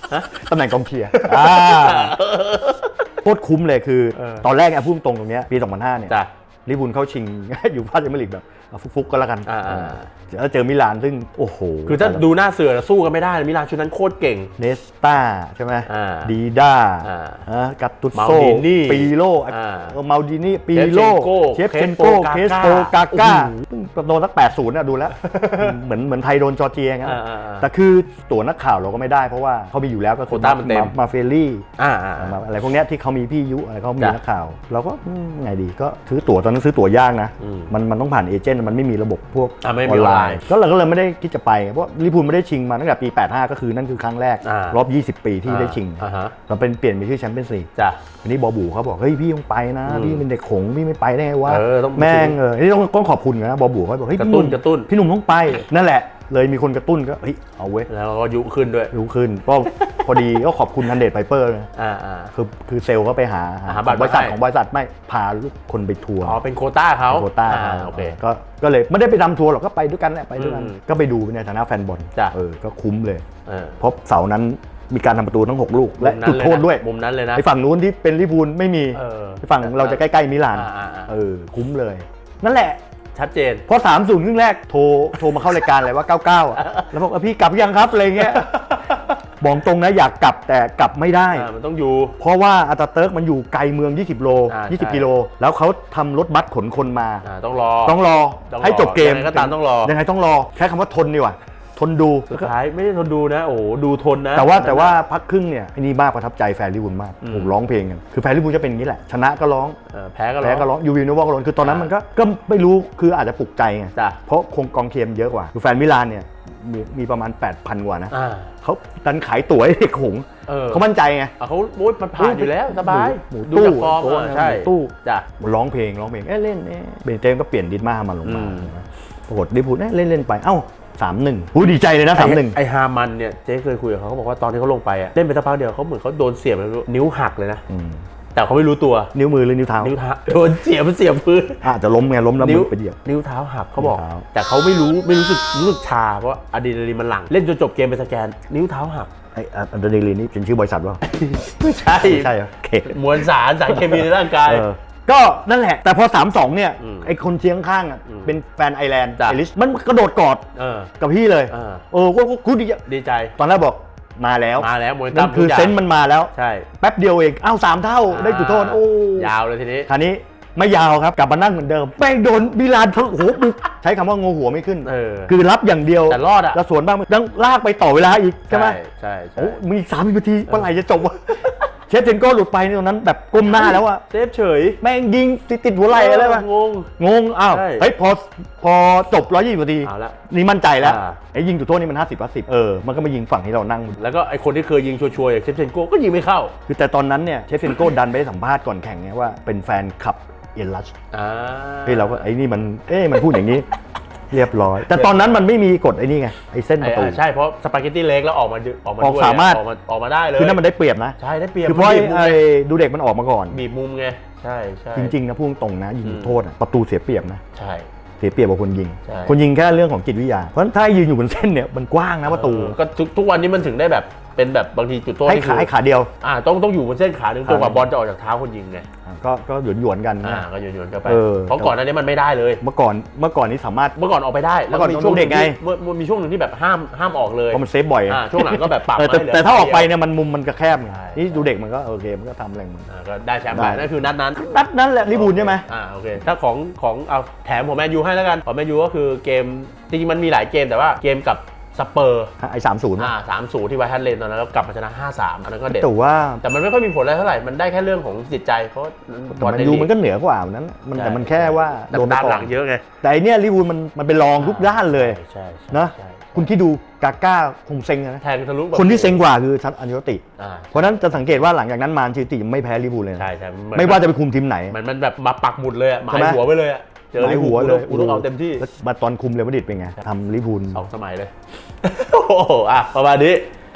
[SPEAKER 2] ตำแหน่งกองเชียร์อ่าโคตรคุ้มเลยคือ
[SPEAKER 1] เออ
[SPEAKER 2] ตอนแรกไอ้พูดตรงตรงเนี้ยปีสองพันห้าเนี่ย
[SPEAKER 1] จ้ะ
[SPEAKER 2] ลิเวอร์พูลเข้าชิง อยู่พาสเจอร์ลีกแบบเอาฟุกๆก็แล้วกัน
[SPEAKER 1] อ่าๆ
[SPEAKER 2] เออแล้วเจอมิลานซึ่งโอ้โห
[SPEAKER 1] คือถ้าดูหน้าเสือสู้กันไม่ได้มิลานชุดนั้นโคตรเก่ง
[SPEAKER 2] เนสต้าใช่ไหม
[SPEAKER 1] อ่า
[SPEAKER 2] ดีด้า
[SPEAKER 1] อ่า
[SPEAKER 2] อ่ะกัตตุส
[SPEAKER 1] มา
[SPEAKER 2] โซ
[SPEAKER 1] ลดินี่
[SPEAKER 2] ปีโล
[SPEAKER 1] อ่า
[SPEAKER 2] เออมาลดินี่ปีโล
[SPEAKER 1] เช
[SPEAKER 2] เช
[SPEAKER 1] ฟ
[SPEAKER 2] ฟ
[SPEAKER 1] เช
[SPEAKER 2] เช
[SPEAKER 1] น
[SPEAKER 2] น
[SPEAKER 1] โก้
[SPEAKER 2] โกเคสโตกาก้า
[SPEAKER 1] โอ้โห
[SPEAKER 2] โดนสักแปดศูนย์นะดูแล้ว เหมือนเหมือนไทยโดนจอร์เจียงั้น
[SPEAKER 1] อ่าๆๆ
[SPEAKER 2] แต่คือตั๋วนักข่าวเราก็ไม่ได้เพราะว่าเขามีอยู่แล้วก็คือ
[SPEAKER 1] โควต้ามันเต็ม
[SPEAKER 2] มาเฟลลี่
[SPEAKER 1] อ่าอ่า
[SPEAKER 2] มาอะไรพวกเนี้ยที่เขามีพี่ยุอะไรเขามี
[SPEAKER 1] จ้ะ
[SPEAKER 2] นักข่าว เราก็อืมไงดีก็ซื้อตั๋วตอนนั้นซื้อตั๋วยากนะ
[SPEAKER 1] อืม
[SPEAKER 2] มันมันต้องผ่านเอเจนต์มันไม่มีระบบพวก
[SPEAKER 1] อ่ะไม่
[SPEAKER 2] อ
[SPEAKER 1] มี
[SPEAKER 2] อนไล
[SPEAKER 1] ออนไลน์
[SPEAKER 2] น์ก็เราก็เลยไม่ได้คิดจะไปเพราะลิเวอร์พูลไม่ได้ชิงมาตั้งแต่ปีแปดสิบห้าก็คือนั่นคือครั้งแรก
[SPEAKER 1] อ่าร
[SPEAKER 2] อบยี่สิบปีที่ได้ชิง
[SPEAKER 1] อ่าฮะ
[SPEAKER 2] เราเป็นเปลี่ยนไปชื่อแชมเปี้ยนส์ลีก
[SPEAKER 1] จ้ะ
[SPEAKER 2] ทีนี้บอบูเขาบอกเฮ้ยพี่ต้องไปนะ
[SPEAKER 1] อืม
[SPEAKER 2] พี่เป็นเด็กขงพี่ไม่ไปได้ไงวะ
[SPEAKER 1] เออต้อง
[SPEAKER 2] แม่งเออนี่ต้องต้องขอบคุณนะบอบูเขาบอกเฮ้ย
[SPEAKER 1] กระ
[SPEAKER 2] พี่
[SPEAKER 1] ตุ้น
[SPEAKER 2] หม
[SPEAKER 1] กระตุ้น
[SPEAKER 2] พี่หนุ่มต้องไปนั่นแหละ เลยมีคนกระตุ้นก็เฮ้ยเอาเว้ย
[SPEAKER 1] แล้วก็ยุขึ้นด้วย
[SPEAKER 2] รู้ขึ้นก็พอดีก็ขอบคุณทันเดชไพเปอร์นะ
[SPEAKER 1] อ่าอ่า
[SPEAKER 2] คือคือเซลล์ก็ไปหา
[SPEAKER 1] หาบัตร
[SPEAKER 2] บริษัท
[SPEAKER 1] มาให้
[SPEAKER 2] ของบริษัทไม่พาลูกคนไปทัวร์
[SPEAKER 1] อ๋อเป็นโควต้าเขา
[SPEAKER 2] โควต้า
[SPEAKER 1] อ่โอเค
[SPEAKER 2] ก็ก็เลยไม่ได้ไปทำทัวร์หรอกก็ไปด้วยกันแหละไปด้วยกัน
[SPEAKER 1] อืม
[SPEAKER 2] ก็ไปดูในฐานะแฟนบอล
[SPEAKER 1] จ้ะ
[SPEAKER 2] เออก็คุ้มเลย
[SPEAKER 1] เออ
[SPEAKER 2] เพราะเสาร์นั้นมีการทำประตูทั้งหกลูกและ
[SPEAKER 1] มุมนั้น
[SPEAKER 2] จุดโทษด้วย
[SPEAKER 1] มุมนั้นเลยนะ
[SPEAKER 2] ไอ้ฝั่งนู้นที่เป็นลิเวอร์พูลไม่มี
[SPEAKER 1] เออ
[SPEAKER 2] ไอ้ฝั่งเราจะใกล้ๆมิลาน
[SPEAKER 1] อ่าๆๆ
[SPEAKER 2] เออคุ้มเลย นั่นแหละ
[SPEAKER 1] ชัดเจน
[SPEAKER 2] พอสามศูนย์ครึ่งแรกโทรโทรมาเข้ารายการเลยว่าเก้าเก้าอ่ะแล้วบอกว่าพี่กลับยังครับอะไรเงี้ยบอกตรงนะอยากกลับแต่กลับไม่ได้
[SPEAKER 1] อ่ามันต้องอยู่
[SPEAKER 2] เพราะว่าอาตาเติร์กมันอยู่ไกลเมือง ยี่สิบ โล
[SPEAKER 1] อ่า
[SPEAKER 2] ยี่สิบ
[SPEAKER 1] ใช่
[SPEAKER 2] กิโล แล้วเขาทำรถบัสขนคนมา
[SPEAKER 1] อ่าต้องรอ
[SPEAKER 2] ต้องรอ
[SPEAKER 1] ต้องรอ
[SPEAKER 2] ให้จบเกม
[SPEAKER 1] ยังไงก็ตามต้องรอ
[SPEAKER 2] ยังไงต้องรอแค่คำว่าทนดีกว่าทนดู
[SPEAKER 1] สุดท้ายไม่ได้ทนดูนะ โอ้โหดูทนนะ
[SPEAKER 2] แต่ว่าแต่ว่าพักครึ่งเนี่ยไอ้นี่มากประทับใจแฟนลิเวอร์พูลมาก
[SPEAKER 1] อืม
[SPEAKER 2] ผมร้องเพลงกันคือแฟนลิเวอร์พูลจะเป็นอย่างนี้แหละชนะก็ร้อง
[SPEAKER 1] เออแพ้ก็รอ
[SPEAKER 2] แพ้ก็ร้องยูวีโนวาก็ร้องคือตอนนั้น
[SPEAKER 1] อ่ามั
[SPEAKER 2] มันก็ก็ไม่รู้คืออาจจะปลุกใจไง
[SPEAKER 1] จ้ะ
[SPEAKER 2] เพราะคงกองเชียร์มันเยอะกว่าคือแฟนมิลานเนี่ยมีมีประมาณ แปดพัน กว่านะ
[SPEAKER 1] อ่า
[SPEAKER 2] เขาดันขายตั๋วให้เด็กหงส์
[SPEAKER 1] เออ
[SPEAKER 2] เขามั่นใจไง
[SPEAKER 1] อ่ะเขาโอ้ยมันผ่านอยู่แล้วสบาย
[SPEAKER 2] หมู
[SPEAKER 1] ดู
[SPEAKER 2] ตู้
[SPEAKER 1] จากฟอร์ม
[SPEAKER 2] โต๊ะ
[SPEAKER 1] อ่ะใช่
[SPEAKER 2] หมูตู้
[SPEAKER 1] จ้ะ
[SPEAKER 2] ร้องเพลงร้องเพลงเอ้ยเล่นเอ้ยเบนเตมก็เปลี่ยนดิสมามาลงมา
[SPEAKER 1] อืม
[SPEAKER 2] ปรากฏลิเวอร์พูลเอ้ยเล่นเล่นไปเอ้าสามหนึ่งหูดีใจเลยนะสามหนึ่ง
[SPEAKER 1] ไอฮามันเนี่ยเจ๊เคยคุยกับเขาเขาบอกว่าตอนที่เขาลงไปอ่ะเล่นไปสักพักเดียวเขาเหมือนเขาโดนเสียบไปนิ้วหักเลยนะแต่เขาไม่รู้ตัว
[SPEAKER 2] นิ้วมือหรือนิ้วเท้า
[SPEAKER 1] นิ้วเท้าโดนเสียบมันเสียบพื้น
[SPEAKER 2] อาจจะล้มไงล้มแล้วมือไปเหยียบ
[SPEAKER 1] นิ้วเท้าหักเขาบอก
[SPEAKER 2] นิ้วเท้า
[SPEAKER 1] แต่เขาไม่รู้ไม่รู้สึกรู้สึกชาเพราะว่าอะดรีนาลีนมันหลั่งเล่นจนจบเกมไปสแกน นิ้วเท้าหัก
[SPEAKER 2] ไอ้อันเดอร์เนลีนี่เป็นชื่อบริษัทว่า
[SPEAKER 1] ไม่ใช่
[SPEAKER 2] ใช่เหรอโอเค
[SPEAKER 1] มวลสารสารเคมีในร่างกาย
[SPEAKER 2] เออก็นั่นแหละ แต่พอ สามสอง เนี่ย
[SPEAKER 1] อืม
[SPEAKER 2] ไอ้คนเชียงข้างอ่ะ
[SPEAKER 1] อืม
[SPEAKER 2] เป็นแฟนไอร์แลนด์
[SPEAKER 1] จ้ะ
[SPEAKER 2] ไอริชมันกระโดดกอด
[SPEAKER 1] เออ
[SPEAKER 2] กับพี่เลย
[SPEAKER 1] เออ
[SPEAKER 2] เออก็ก็ดีใจ
[SPEAKER 1] ดีใจ
[SPEAKER 2] ตอนแรกบอกมาแล้ว
[SPEAKER 1] มาแล้วมวย
[SPEAKER 2] นั่
[SPEAKER 1] ตั้
[SPEAKER 2] น
[SPEAKER 1] ม
[SPEAKER 2] คือ
[SPEAKER 1] ทุกย่าง
[SPEAKER 2] เซนส์มันมาแล้ว
[SPEAKER 1] ใช่
[SPEAKER 2] แป๊บเดียวเองอ้าวสามเท่าได้จุดโทษโอ้
[SPEAKER 1] ยาวเลยทีนี้
[SPEAKER 2] คราวนี้ไม่ยาวครับกลับมานั่งเหมือนเดิมแม่งโดนบิลานโอ้โหบุกใช้คำว่างูหัวไม่ขึ้น
[SPEAKER 1] เออ
[SPEAKER 2] คือรับอย่างเดียว
[SPEAKER 1] แต่รอดอะ
[SPEAKER 2] แล้วสวนบ้างต้องลากไปต่อเวลาอีกใช่ไหม
[SPEAKER 1] ใช่ใช่
[SPEAKER 2] โอ้มีสามนาทีเมื่อไหร่จะจบวะเชฟเทนโก้หลุดไปในตรงนั้นแบบก้มหน้าแล้วอะ
[SPEAKER 1] เซฟเฉย
[SPEAKER 2] แม่งยิงติดติดหัวไหล่อะไรปะ
[SPEAKER 1] งง
[SPEAKER 2] งงอ้าว
[SPEAKER 1] ใช่
[SPEAKER 2] เฮ้ยพอพอจบร้อยยี่สิบนาที
[SPEAKER 1] เอาละ
[SPEAKER 2] นี่มั่นใจแล้ว
[SPEAKER 1] อ่า
[SPEAKER 2] ไอ้ยิงจุดโทษนี่มันห้าสิบห้าสิบเออมันก็มายิงฝั่งที่เรานั่ง
[SPEAKER 1] แล้วก็ไอคนที่เคยยิงชัวร์ๆอย่างเซฟเชนโก้ก็ยิงไม่เข้า
[SPEAKER 2] คือแต่ตอนนั้นเนี่ยเชฟเทนโก้ดันไปให้สัมภาษณ์ก่อนแข่งไงว่าเป็นแฟนคลับเอลัช
[SPEAKER 1] อ่า
[SPEAKER 2] เฮ้ยเราก็ไอ้นี่มันเอ๊ะมันพูดอย่างนี้ เรียบร้อย แต่ตอนนั้นมันไม่มีกฎไอ้นี่ไงไอ้เส้นประตู
[SPEAKER 1] ไอ้อ่าใช่เพราะสปาเกตตี้เล็กแล้วออกมาดึออกมา
[SPEAKER 2] ออก
[SPEAKER 1] ด้วย
[SPEAKER 2] สามารถ
[SPEAKER 1] ออกมาออกมาได้เลย
[SPEAKER 2] คือนั่นมันได้เปรียบนะ
[SPEAKER 1] ใช่ได้เปรียบ
[SPEAKER 2] คือเพราะ
[SPEAKER 1] มัน
[SPEAKER 2] ไอ้
[SPEAKER 1] บีบมุม
[SPEAKER 2] ไอ้ดูเด็กมันออกมาก่อน
[SPEAKER 1] บีบมุมไงใช่ใช่
[SPEAKER 2] จริงๆนะพูดตรงนะยิง
[SPEAKER 1] อืม
[SPEAKER 2] โทษอะประตูเสียเปรียบนะ
[SPEAKER 1] ใช่
[SPEAKER 2] เสียเปรียบกว่าคนยิง
[SPEAKER 1] ใช่
[SPEAKER 2] คนยิงแค่เรื่องของจิตวิทยาเพราะฉะนั้นถ้ายืนอยู่บนเส้นเนี่ยมันกว้างนะประตู
[SPEAKER 1] เออก็ทุกทุกวันนี้มันถึงได้แบบเป็นแบบบางทีจุดโทษ
[SPEAKER 2] ให้
[SPEAKER 1] นี่
[SPEAKER 2] ขา
[SPEAKER 1] คือ
[SPEAKER 2] ให้ขาเดียว
[SPEAKER 1] อ่าต้องต้องอยู่บนเส้นขาหนึ่ง
[SPEAKER 2] ขา
[SPEAKER 1] จนกว่าบอลจะออกจากเท้าคนยิงไง
[SPEAKER 2] อ่ะก็ก็หยวนหยวนๆกัน
[SPEAKER 1] อ่า
[SPEAKER 2] นะ
[SPEAKER 1] ก็โยนๆกันไป
[SPEAKER 2] เออ
[SPEAKER 1] เพราะก่อนหน้านี้มันไม่ได้เลย
[SPEAKER 2] เมื่อก่อนเมื่อก่อนนี้สามารถ
[SPEAKER 1] เมื่อก่อนออกไปได้แล้ว
[SPEAKER 2] เมื่อก่อน
[SPEAKER 1] มีช่วง
[SPEAKER 2] เด็กไง
[SPEAKER 1] ที่เมื่อมีช่วงหนึ่งที่แบบห้ามห้ามออกเลย
[SPEAKER 2] เพราะมันเซฟบ่อย
[SPEAKER 1] อ่าช่วงหลังก็แบบปรับ
[SPEAKER 2] เออแต่
[SPEAKER 1] ให้เหลื
[SPEAKER 2] แต่ถ้าออกไป
[SPEAKER 1] เดียว
[SPEAKER 2] เนี่ยมันมุมมันก็แคบไง
[SPEAKER 1] ใช่
[SPEAKER 2] นี่ดูเด็กมันก็โอเคมันก็ทำอะไรของมัน
[SPEAKER 1] อ่าก็ได้แชมป์
[SPEAKER 2] ได้
[SPEAKER 1] ไปนั่นคือนัดนั้น
[SPEAKER 2] นัดนั้นแหละลิบูลใช่ไหม
[SPEAKER 1] อ่าโอเคถ้าของของเอาแถมของแมนยูให้แล้วกันของแมนยูก็คือเกมจริงๆมันมีหลายเกมแต่ว่าเกมกับสเปอร์
[SPEAKER 2] ไอ้สามศูนย์
[SPEAKER 1] อ่าสามศูนย์ที่ไวท์ฮันเลนตอนนั้นแล้วกลับมาชนะห้าสามอันนั้นก็เด็ด
[SPEAKER 2] แต่ว่า
[SPEAKER 1] แต่มันไม่ค่อยมีผลอะไรเท่าไหร่ มันได้แค่เรื่องของจิตใจ เพราะ
[SPEAKER 2] แต่มันยูมันก็เหนือกว่าวันนั้นมัน
[SPEAKER 1] ใช่
[SPEAKER 2] แต่มันแค่ว่าโดนไป
[SPEAKER 1] ตาม
[SPEAKER 2] ก่
[SPEAKER 1] ห
[SPEAKER 2] อ
[SPEAKER 1] ลั
[SPEAKER 2] น
[SPEAKER 1] งเยอะไง
[SPEAKER 2] แต่อันเนี้ยลิบูลมันมันเป็นรองทุกด้านเลย
[SPEAKER 1] ใช่ใช่
[SPEAKER 2] นะ
[SPEAKER 1] ใช่
[SPEAKER 2] คุณคิดดูกาก้าคงเซ็งนะ
[SPEAKER 1] แทงทะลุแบบ
[SPEAKER 2] คนที่เซ็งกว่าคือชัดอัญญติ
[SPEAKER 1] อ่า
[SPEAKER 2] เพราะฉะนั้นจะสังเกตว่าหลังจากนั้นมานชิติไม่แพ้ลิบูลเลยนะ
[SPEAKER 1] ใช่ใช่น
[SPEAKER 2] ไม่ว่าจะไปคุมทีมไหน
[SPEAKER 1] มันมันแบบมาปักหมุดเลยอะหมา
[SPEAKER 2] ใช่
[SPEAKER 1] ย
[SPEAKER 2] ไหม
[SPEAKER 1] หัวไปเลยอะเจอ
[SPEAKER 2] หมาย
[SPEAKER 1] ลิ
[SPEAKER 2] หั
[SPEAKER 1] เวอ
[SPEAKER 2] ว
[SPEAKER 1] ร์พูล
[SPEAKER 2] เลย
[SPEAKER 1] กูต้องเอาเต็มที่
[SPEAKER 2] แล้วมาตอนคุมเรอัลมาดริดเป็นไงทำลิบูล
[SPEAKER 1] สองสมัยเลย โอ้โหอ่ะประมาณนี้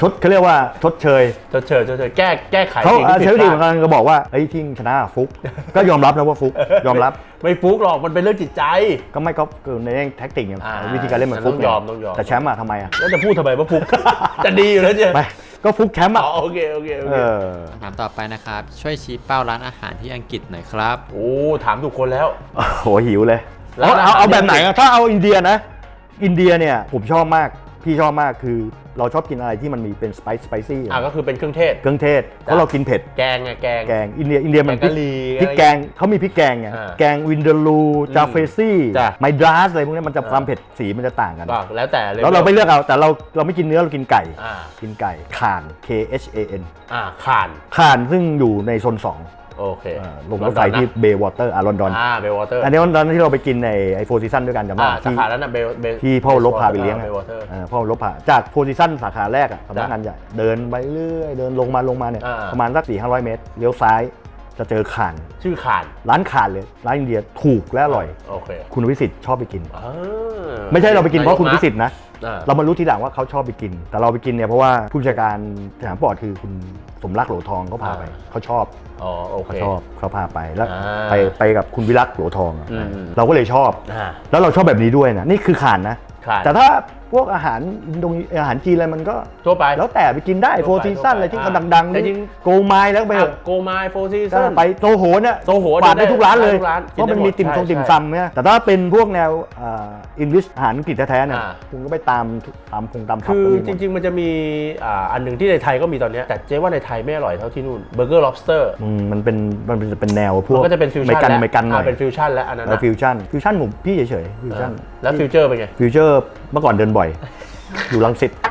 [SPEAKER 2] ชดเขาเรียกว่าชดเชย
[SPEAKER 1] ชดเชยชดเชยแก้แก้ไข
[SPEAKER 2] เขา
[SPEAKER 1] สิ่งที่
[SPEAKER 2] เช
[SPEAKER 1] ผิ
[SPEAKER 2] ล
[SPEAKER 1] ด
[SPEAKER 2] ซี
[SPEAKER 1] พ
[SPEAKER 2] เหมือน
[SPEAKER 1] ลาด
[SPEAKER 2] กันก็บอกว่าเฮ้ยที่ชนะฟุก ก็ยอมรับนะว่าฟุกยอมรับ
[SPEAKER 1] ไม่ฟุกหรอกมันเป็นเรื่องจิตใจ
[SPEAKER 2] ก็ไม่ก็คือในแท็กติกไง
[SPEAKER 1] อ่า
[SPEAKER 2] วิธีการเล่นมันฟุก
[SPEAKER 1] ต้องยอมต้องยอม
[SPEAKER 2] แต่แชมป์อะทำไมอะ
[SPEAKER 1] แล้วจะพูดทำไมว่าฟุก จะดีอยู่แล้วเจ้
[SPEAKER 2] ไม่ก็ฟุกแชมป์
[SPEAKER 1] อ๋
[SPEAKER 2] อะ
[SPEAKER 1] อโอเคโอเคโอ
[SPEAKER 2] เอ
[SPEAKER 1] เค
[SPEAKER 2] อ
[SPEAKER 4] ถามต่อไปนะครับ ช่วยชี้เป้าร้านอาหารที่อังกฤษหน่อยครับ
[SPEAKER 1] โอ้ถามถูกคนแล้ว
[SPEAKER 2] โอ้โหหิวเลย
[SPEAKER 1] แล้ว
[SPEAKER 2] เอาเอา
[SPEAKER 1] อาหาร
[SPEAKER 2] เอาแบบไหน
[SPEAKER 1] ที่
[SPEAKER 2] อะถ้าเอาอินเดียนะ อินเดียเนี่ยผมชอบมากพี่ชอบมากคือเราชอบกินอะไรที่มันมีเป็นสไปซ์สไปซี่
[SPEAKER 1] อ่ะก็คือเป็นเครื่องเทศ
[SPEAKER 2] เครื่องเทศเพราะเรากินเผ็ด
[SPEAKER 1] แกงไงแกง
[SPEAKER 2] แกงอินเดียอินเดียมัน
[SPEAKER 1] แกงกะหรี่
[SPEAKER 2] พริกแกงเขามีพริกแกงไง
[SPEAKER 1] อ่า
[SPEAKER 2] แกงวินเดอรูจาเฟซี่
[SPEAKER 1] จ้ะ
[SPEAKER 2] ไมดราสอะไรพวกนี้มันจะความเผ็ดสีมันจะต่างกัน
[SPEAKER 1] ก็แล้วแต่เลย
[SPEAKER 2] แล้วเราไม่เลือกเอาแต่เราเราไม่กินเนื้อเรากินไก่
[SPEAKER 1] อ่า
[SPEAKER 2] กินไก่ข่าน K H A N
[SPEAKER 1] อ่าข่าน
[SPEAKER 2] ข่านซึ่งอยู่ในโซนสอง
[SPEAKER 1] โอเค
[SPEAKER 2] เอ่อลงรถไฟที่เบย์วอเตอร์อ่ะลอนดอน
[SPEAKER 1] อ่าเบลวอเตอร์
[SPEAKER 2] อันนี้วันนั้นที่เราไปกินในไอโฟร์ซีซันด้วยกันจำได้
[SPEAKER 1] อ่า
[SPEAKER 2] ไหม
[SPEAKER 1] สา
[SPEAKER 2] ที่
[SPEAKER 1] ขานั้นน่ะเบลเบล
[SPEAKER 2] ที่พ่อลบพาไปเลี้ยง
[SPEAKER 1] เบ
[SPEAKER 2] อะ
[SPEAKER 1] ลวอเตอร์
[SPEAKER 2] เออพ่อลบพาจากโพซิชันสาขาแรกอะสำนักงานใหญ่เดินไปเรื่อยเดินลงมาลงมาเนี่ย
[SPEAKER 1] อ่า
[SPEAKER 2] ประมาณสักสี่ห้าร้อยเมตรเลี้ยวซ้ายจะเจอข่าน
[SPEAKER 1] ชื่อข่าน
[SPEAKER 2] ร้านข่านเลยร้านอินเดียถูกและอร่อย
[SPEAKER 1] โอเค
[SPEAKER 2] คุณวิสิทธิ์ชอบไปกิน
[SPEAKER 1] อ่า
[SPEAKER 2] ไม่ใช่เราไปกินเพราะคุณวิสิทธิ์นะ
[SPEAKER 1] อ่า
[SPEAKER 2] เรามารู้ทีหลังว่าเขาชอบไปกิน แต่เราไปกินเนี่ยเพราะว่าผู้จัดการสนามปอดคือคุณสมรักโหลทองเขาพาไปเขาชอบ
[SPEAKER 1] อ๋อโอเค
[SPEAKER 2] เขาชอบเขาพาไปแล้ว
[SPEAKER 1] อ่า
[SPEAKER 2] ไปไปกับคุณวิรักโหลทองอะ
[SPEAKER 1] อืม
[SPEAKER 2] เราก็เลยชอบ
[SPEAKER 1] อ่า
[SPEAKER 2] แล้วเราชอบแบบนี้ด้วยนะนี่คือข่านนะ
[SPEAKER 1] ข่าน
[SPEAKER 2] แต่ถ้าพวกอาหารอินโดนีอาหารจีนอะไรมันก็
[SPEAKER 1] ทั่วไป
[SPEAKER 2] แล้วแต่ไปกินได้
[SPEAKER 1] ทั่
[SPEAKER 2] โฟ
[SPEAKER 1] วไป
[SPEAKER 2] ร์ซีซันอะไรที่
[SPEAKER 1] ทั่ว
[SPEAKER 2] เขา
[SPEAKER 1] ไป
[SPEAKER 2] ดังๆ
[SPEAKER 1] แต่จริง
[SPEAKER 2] โกไมล์แล้วไปเถอะ
[SPEAKER 1] โกมายโฟร์ซี
[SPEAKER 2] ก็
[SPEAKER 1] ซัน
[SPEAKER 2] ไปโซโหเนี่ย
[SPEAKER 1] โซโห
[SPEAKER 2] ปาดได้ทุกร้านเลย
[SPEAKER 1] ทุกร้าน
[SPEAKER 2] เพราะมันมีติ่มซง
[SPEAKER 1] ใช่
[SPEAKER 2] ติ่ม
[SPEAKER 1] ใช่
[SPEAKER 2] ซำเนี่ยแต่ถ้าเป็นพวกแนวอังกฤษอาหารอังกฤษแท้ๆเนี่ย
[SPEAKER 1] อ่า
[SPEAKER 2] คุณก็ไปตามตามคงตามผับ
[SPEAKER 1] คือ
[SPEAKER 2] ก็มีหมด
[SPEAKER 1] จริง ๆ มันจะมีอ่าอันหนึ่งที่ในไทยก็มีตอนเนี้ยแต่เจ๊ว่าในไทยไม่อร่อยเท่าที่นู่นเบอร์เกอร์ lobster
[SPEAKER 2] อืมมันเป็นมันเป็นเป็นแนวพว
[SPEAKER 1] มั
[SPEAKER 2] ก
[SPEAKER 1] นก็จะเป็นฟิว
[SPEAKER 2] ไม่
[SPEAKER 1] ชั่น
[SPEAKER 2] กัน
[SPEAKER 1] แล้ว
[SPEAKER 2] ไม่กันหน่อย
[SPEAKER 1] าเป็นฟิวชั่นแล้วอันนั้น
[SPEAKER 2] แล้ว
[SPEAKER 1] นะ
[SPEAKER 2] ฟิวชั่นฟิวชั่นผมพี่เฉยๆฟิวชั่น
[SPEAKER 1] แล้วฟิวเจอร์เป็นไง
[SPEAKER 2] ฟิวเจอร์เมื่อก่อนเดินบ่อย อยู่รังสิต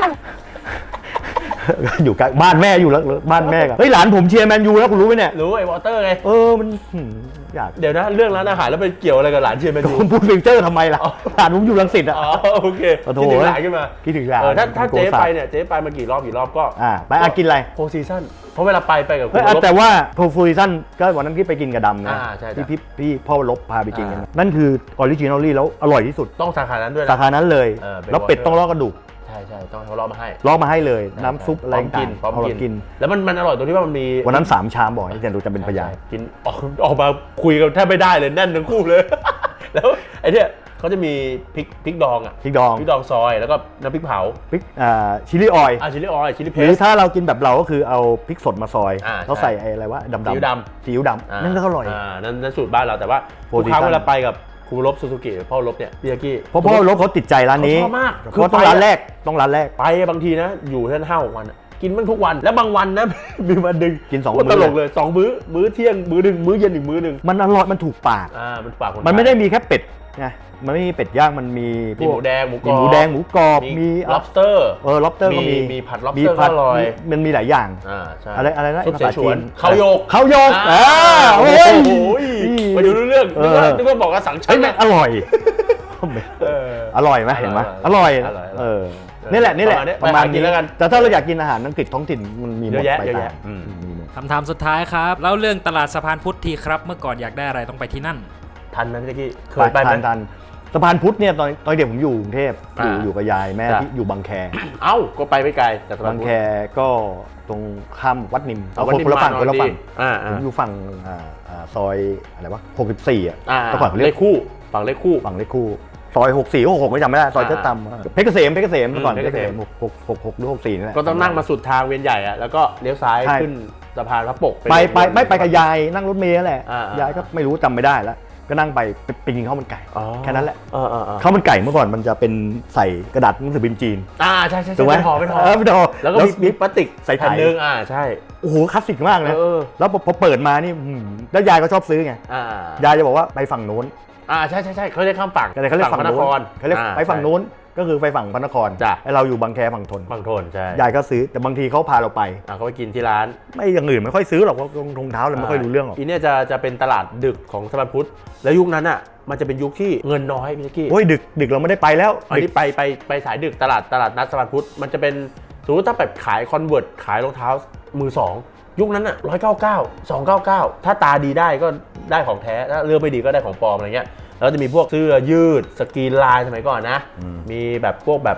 [SPEAKER 2] อยู่ใกล้บ้านแม่อยู่แล้วบ้านแม่กันเฮ้ยหลานผมเชียร์แมนยูแล้วคุณรู้ไหมเนี่ย
[SPEAKER 1] รู้ไอ้วอเตอร์ไง
[SPEAKER 2] เออมันหืมอยาก
[SPEAKER 1] เดี๋ยวนะเรื่องร้านอาหารแล้วไปเกี่ยวอะไรกับหลานเชียร์แมนยู
[SPEAKER 2] คุณพูดฟิวเจอร์ทำไมล่ะหลานผมอยู่รังสิตอ่ะ
[SPEAKER 1] อ๋อโอเค
[SPEAKER 2] โอ้โห
[SPEAKER 1] คิดถึงหลานขึ้นมา
[SPEAKER 2] คิดถึงหลาน
[SPEAKER 1] เออถ้าถ้า
[SPEAKER 2] โก
[SPEAKER 1] เจ๊
[SPEAKER 2] สับ
[SPEAKER 1] ไปเนี่ยเจ๊ไปมากี่รอบกี่รอบก็
[SPEAKER 2] อ่าไปอากินอะไร
[SPEAKER 1] โฟซีซั่นเพราะเวลาไปไปกับคุ
[SPEAKER 2] เฮ้
[SPEAKER 1] ณ
[SPEAKER 2] ยอ่ะ
[SPEAKER 1] ลบ
[SPEAKER 2] แต่ว่าโพฟูริซันก็วันนั้นที่ไปกินกับดำนะ
[SPEAKER 1] อ่าใช่
[SPEAKER 2] ที่
[SPEAKER 1] ใช่
[SPEAKER 2] พี่พี่พ่อลบพาไปกินกัน
[SPEAKER 1] อ่า
[SPEAKER 2] นั่นคือออริจินอลลี่แล้วอร่อยที่สุด
[SPEAKER 1] ต้องสาขานั้นด้วย
[SPEAKER 2] สา
[SPEAKER 1] นะ
[SPEAKER 2] ขานั้นเลย
[SPEAKER 1] เออเป็น
[SPEAKER 2] แล้วเป็ด
[SPEAKER 1] water
[SPEAKER 2] ต้องลอกกระดูก
[SPEAKER 1] ใช่ใช่ต้องให้เขาลอกมาให้
[SPEAKER 2] ลอกมาให้เลย น้ำซุปอะไร
[SPEAKER 1] พร้อมกินพร้อม
[SPEAKER 2] เอา
[SPEAKER 1] กิ
[SPEAKER 2] กิน
[SPEAKER 1] แล้วมันมันอร่อยตรงที่ว่ามันมี
[SPEAKER 2] วันนั้นสามชามบอกให้เจนดูจะเป็นพยาน
[SPEAKER 1] ใช่กินออกออกมาคุยกันแทบไม่ได้เลยแน่นทั้งคู่เลย แล้วไอ้เนี่ยเขาจะมีพริกพริกดองอ่ะ
[SPEAKER 2] พริกดอง
[SPEAKER 1] พริกดองซอยแล้วก็น้ำพริกเผา
[SPEAKER 2] พริกอ่าชิลลี่ออยล์
[SPEAKER 1] อ่าชิลลี่ออยล์ชิลลี่เพ
[SPEAKER 2] หรือ
[SPEAKER 1] ส
[SPEAKER 2] ถ้าเรากินแบบเราก็คือเอาพริกสดมาซอย
[SPEAKER 1] อ่า
[SPEAKER 2] แล้ว
[SPEAKER 1] ใช่
[SPEAKER 2] ใส่ไอ้อะไรวะดำๆ
[SPEAKER 1] ซีอิ๊วดำ
[SPEAKER 2] ซีอิ๊วดำนั่นก็อร่อย
[SPEAKER 1] อ่านั่นนั่นสูตรบ้านเราแต่ว่า
[SPEAKER 2] โป
[SPEAKER 1] ทุ
[SPEAKER 2] ร
[SPEAKER 1] ก
[SPEAKER 2] ตีน
[SPEAKER 1] ครั้งเวลาไปกับครูลบซูซูกิพ่อลบเนี่ยพี่ยากี้
[SPEAKER 2] เพราะพ่อลบเขาติดใจร้านนี้
[SPEAKER 1] เขาชอบมาก
[SPEAKER 2] เพราะต้องร้านแรกต้องร้านแรก
[SPEAKER 1] ไปบางทีนะอยู่แค่ห้าหกวันอะกินมันทุกวันแล้วบางวันนะ มีวันหนึ่ง
[SPEAKER 2] กินสอง
[SPEAKER 1] โคตร
[SPEAKER 2] มื้อ
[SPEAKER 1] ตลกเลยสองมื้อมื้อเที่ยงมื้อหนึ่งมื้อเย็นอีกมื้อหนึ่ง
[SPEAKER 2] มันอร่อยมันถูกปาก
[SPEAKER 1] อ่ามันฝากคน
[SPEAKER 2] มันไม่
[SPEAKER 1] ทย
[SPEAKER 2] ได้มีแค่เป็ดไงมันไม่มีเป็ดย่างมันมีพ
[SPEAKER 1] มี
[SPEAKER 2] ว
[SPEAKER 1] ห
[SPEAKER 2] ก
[SPEAKER 1] มูแดงหมูกร
[SPEAKER 2] มี
[SPEAKER 1] อบ
[SPEAKER 2] หมูแดงหมูกรอบมี
[SPEAKER 1] lobster
[SPEAKER 2] เออ lobster ก็มี
[SPEAKER 1] มีผัด lobster
[SPEAKER 2] มีผัด
[SPEAKER 1] ก็อร่อย
[SPEAKER 2] มีมันมีหลายอย่าง
[SPEAKER 1] อ่าใช่
[SPEAKER 2] อะไรอะไรนะ
[SPEAKER 1] ซุป
[SPEAKER 2] ภา
[SPEAKER 1] เส
[SPEAKER 2] ษา
[SPEAKER 1] ฉ
[SPEAKER 2] จี
[SPEAKER 1] วน
[SPEAKER 2] น
[SPEAKER 1] เขาโยก
[SPEAKER 2] เขาโยก
[SPEAKER 1] อ่า
[SPEAKER 2] อ่า
[SPEAKER 1] โอ้
[SPEAKER 2] โอ้
[SPEAKER 1] โห
[SPEAKER 2] ย
[SPEAKER 1] มาดูเรื่อง
[SPEAKER 2] เอ
[SPEAKER 1] นึก
[SPEAKER 2] อ
[SPEAKER 1] ว่านึกว่าบอกว่าสั่งชั
[SPEAKER 2] เฮ้ย
[SPEAKER 1] น
[SPEAKER 2] มันอร่อย
[SPEAKER 1] เออ
[SPEAKER 2] อร่อยไหมเห็นไหมอ
[SPEAKER 1] อร่
[SPEAKER 2] ร่อ
[SPEAKER 1] อย ยอร่อย
[SPEAKER 2] เออนี่แหละนี่แหละ
[SPEAKER 1] ประมาณนี้
[SPEAKER 2] ประมาณ
[SPEAKER 1] ไปหากิน
[SPEAKER 2] นี้
[SPEAKER 1] แล้วกัน
[SPEAKER 2] แต่ถ้าเราอยากกินอาหารอังกฤษท้องถิ่นมันมีหม
[SPEAKER 1] เย
[SPEAKER 2] ด
[SPEAKER 1] อะแยะ
[SPEAKER 2] ไป
[SPEAKER 1] เยอะ
[SPEAKER 2] ตา
[SPEAKER 1] แยะ
[SPEAKER 2] ม
[SPEAKER 1] อืม
[SPEAKER 2] มีหมด
[SPEAKER 3] คำถามสุดท้ายครับเล่าเรื่องตลาดสะพานพุทธทีครับ เมื่อก่อนอยากได้อะไรต้องไปที่นั่น
[SPEAKER 1] ทันไหมพี่ตะกี้เคยไปไหม
[SPEAKER 2] ทันทันสะพานพุทธเนี่ยตอนตอนเด็กผมอยู่กรุงเทพอยู่
[SPEAKER 1] อ่า
[SPEAKER 2] อยู่กับยายแม่
[SPEAKER 1] จ้ะ
[SPEAKER 2] ที่อยู่บางแค
[SPEAKER 1] เอ้าก็ไปไม่ไกลจากสะพา
[SPEAKER 2] บาน ง
[SPEAKER 1] พุท
[SPEAKER 2] แค
[SPEAKER 1] ธ
[SPEAKER 2] ก็ตรงข้ามวัดนิม
[SPEAKER 1] เอาวัดนิม
[SPEAKER 2] คนละฝั่ง
[SPEAKER 1] มา
[SPEAKER 2] คนละฝั่ง
[SPEAKER 1] อ่า
[SPEAKER 2] ผ
[SPEAKER 1] อ่า
[SPEAKER 2] มอยู่ฝั่งอ่าอ่าซอยอะไรวะหกสิบสี่อ่ะ
[SPEAKER 1] อ่า
[SPEAKER 2] เมื่อก่อนเขาเรี
[SPEAKER 1] เลย ข
[SPEAKER 2] ก
[SPEAKER 1] คู่ฝั่งเลขคู่
[SPEAKER 2] ฝั่งเลขคู่ซอยหกสี่หกหกไม่จำไม่ได้ซอย
[SPEAKER 1] อ่า
[SPEAKER 2] เจ้าตำเพชรเกษมเพชรเกษมเมื่อก่อน
[SPEAKER 1] อืม
[SPEAKER 2] เพชรเกษม
[SPEAKER 1] เพ
[SPEAKER 2] ห
[SPEAKER 1] ชร
[SPEAKER 2] ก
[SPEAKER 1] เกษม
[SPEAKER 2] หกหกหกหรือหกสี่นี่แหละ
[SPEAKER 1] ก็ต้องนั่งมาสุดทางเวียนใหญ่อะแล้วก็เลี้ยวซ้าย
[SPEAKER 2] ใช่
[SPEAKER 1] ขึ้นสะพานพระปก
[SPEAKER 2] ไปไปไม่ไปกับยายนั่งรถเมล์นั่นแหละ
[SPEAKER 1] อ่าอ่าย
[SPEAKER 2] ยายก็ไม่รู้จำไม่ได้แล้วก็นั่งไปไปไปกินข้าวมันไก่
[SPEAKER 1] อ๋อ
[SPEAKER 2] แค่นั้นแหละ
[SPEAKER 1] เออเออเออ
[SPEAKER 2] ข้าวมันไก่เมื่อก่อนมันจะเป็นใส่กระดาษหนังสือพิมพ์จีน
[SPEAKER 1] อ่าใช่ใช่
[SPEAKER 2] ถูกไหม
[SPEAKER 1] เป็นห่อเป็นห่อ
[SPEAKER 2] เออเป็นห่อ
[SPEAKER 1] แล้วก็มีมีพลาสติก
[SPEAKER 2] ใส่
[SPEAKER 1] แผ่น
[SPEAKER 2] ถ่าย
[SPEAKER 1] หนึงอ่าใช่
[SPEAKER 2] โอ้โหคลาสสิกมากเลย
[SPEAKER 1] เออ
[SPEAKER 2] แล้วพอพอเปิดมานี่หืมแล้วยายก็ชอบซื้อไง
[SPEAKER 1] อ่าย
[SPEAKER 2] ายจะบอกว่าไปฝั่งโน้น
[SPEAKER 1] อ่าใช่ใช่ใช่เขาเรียกข้ามฝั่ง
[SPEAKER 2] ก็เลยเขาเรียกฝั่ง
[SPEAKER 1] พระน
[SPEAKER 2] โน้
[SPEAKER 1] คน ร
[SPEAKER 2] เขาเรียก
[SPEAKER 1] อ่
[SPEAKER 2] ไปฝั่งโน้นก็คือไปฝั่งพระนคร
[SPEAKER 1] จ้ะ
[SPEAKER 2] ไอเราอยู่บางแคฝั่งทน
[SPEAKER 1] ฝั่งทนใช่
[SPEAKER 2] ยายก็ซื้อแต่บางทีเขาพาเราไป
[SPEAKER 1] อ่าเขาไปกินที่ร้าน
[SPEAKER 2] ไม่อย่างอื่นไม่ค่อยซื้อหรอกเพราะรองเท้าเลยไม่ค่อยรู้เรื่องหรอก
[SPEAKER 1] อีเนี่ยจะจะเป็นตลาดดึกของสะพานพุทธแล้วยุคนั้นอ่ะมันจะเป็นยุคที่เงินน้อยพี่ตะกี้
[SPEAKER 2] โอ้ยดึกดึกเราไม่ได้ไปแล้ว
[SPEAKER 1] อันนี้ไปไปไปสายดึกตลาดตลาดนัดสะพานพุทธมันจะเป็นสมมติถ้าแบบขายคอนเวิร์ตขายรองเท้ามือสองยุคนั้นอ่ะร้อยเก้าเก้าสองเก้าเก้าถ้าตาดีได้ก็ได้ของแท้ถ้าเลือกไม่ดีก็ได้ของปลอมอะไรเงี้ยแล้วจะมีพวกเสื้อยืดสกรีนลายสมัยก่อนนะ มีแบบพวกแบบ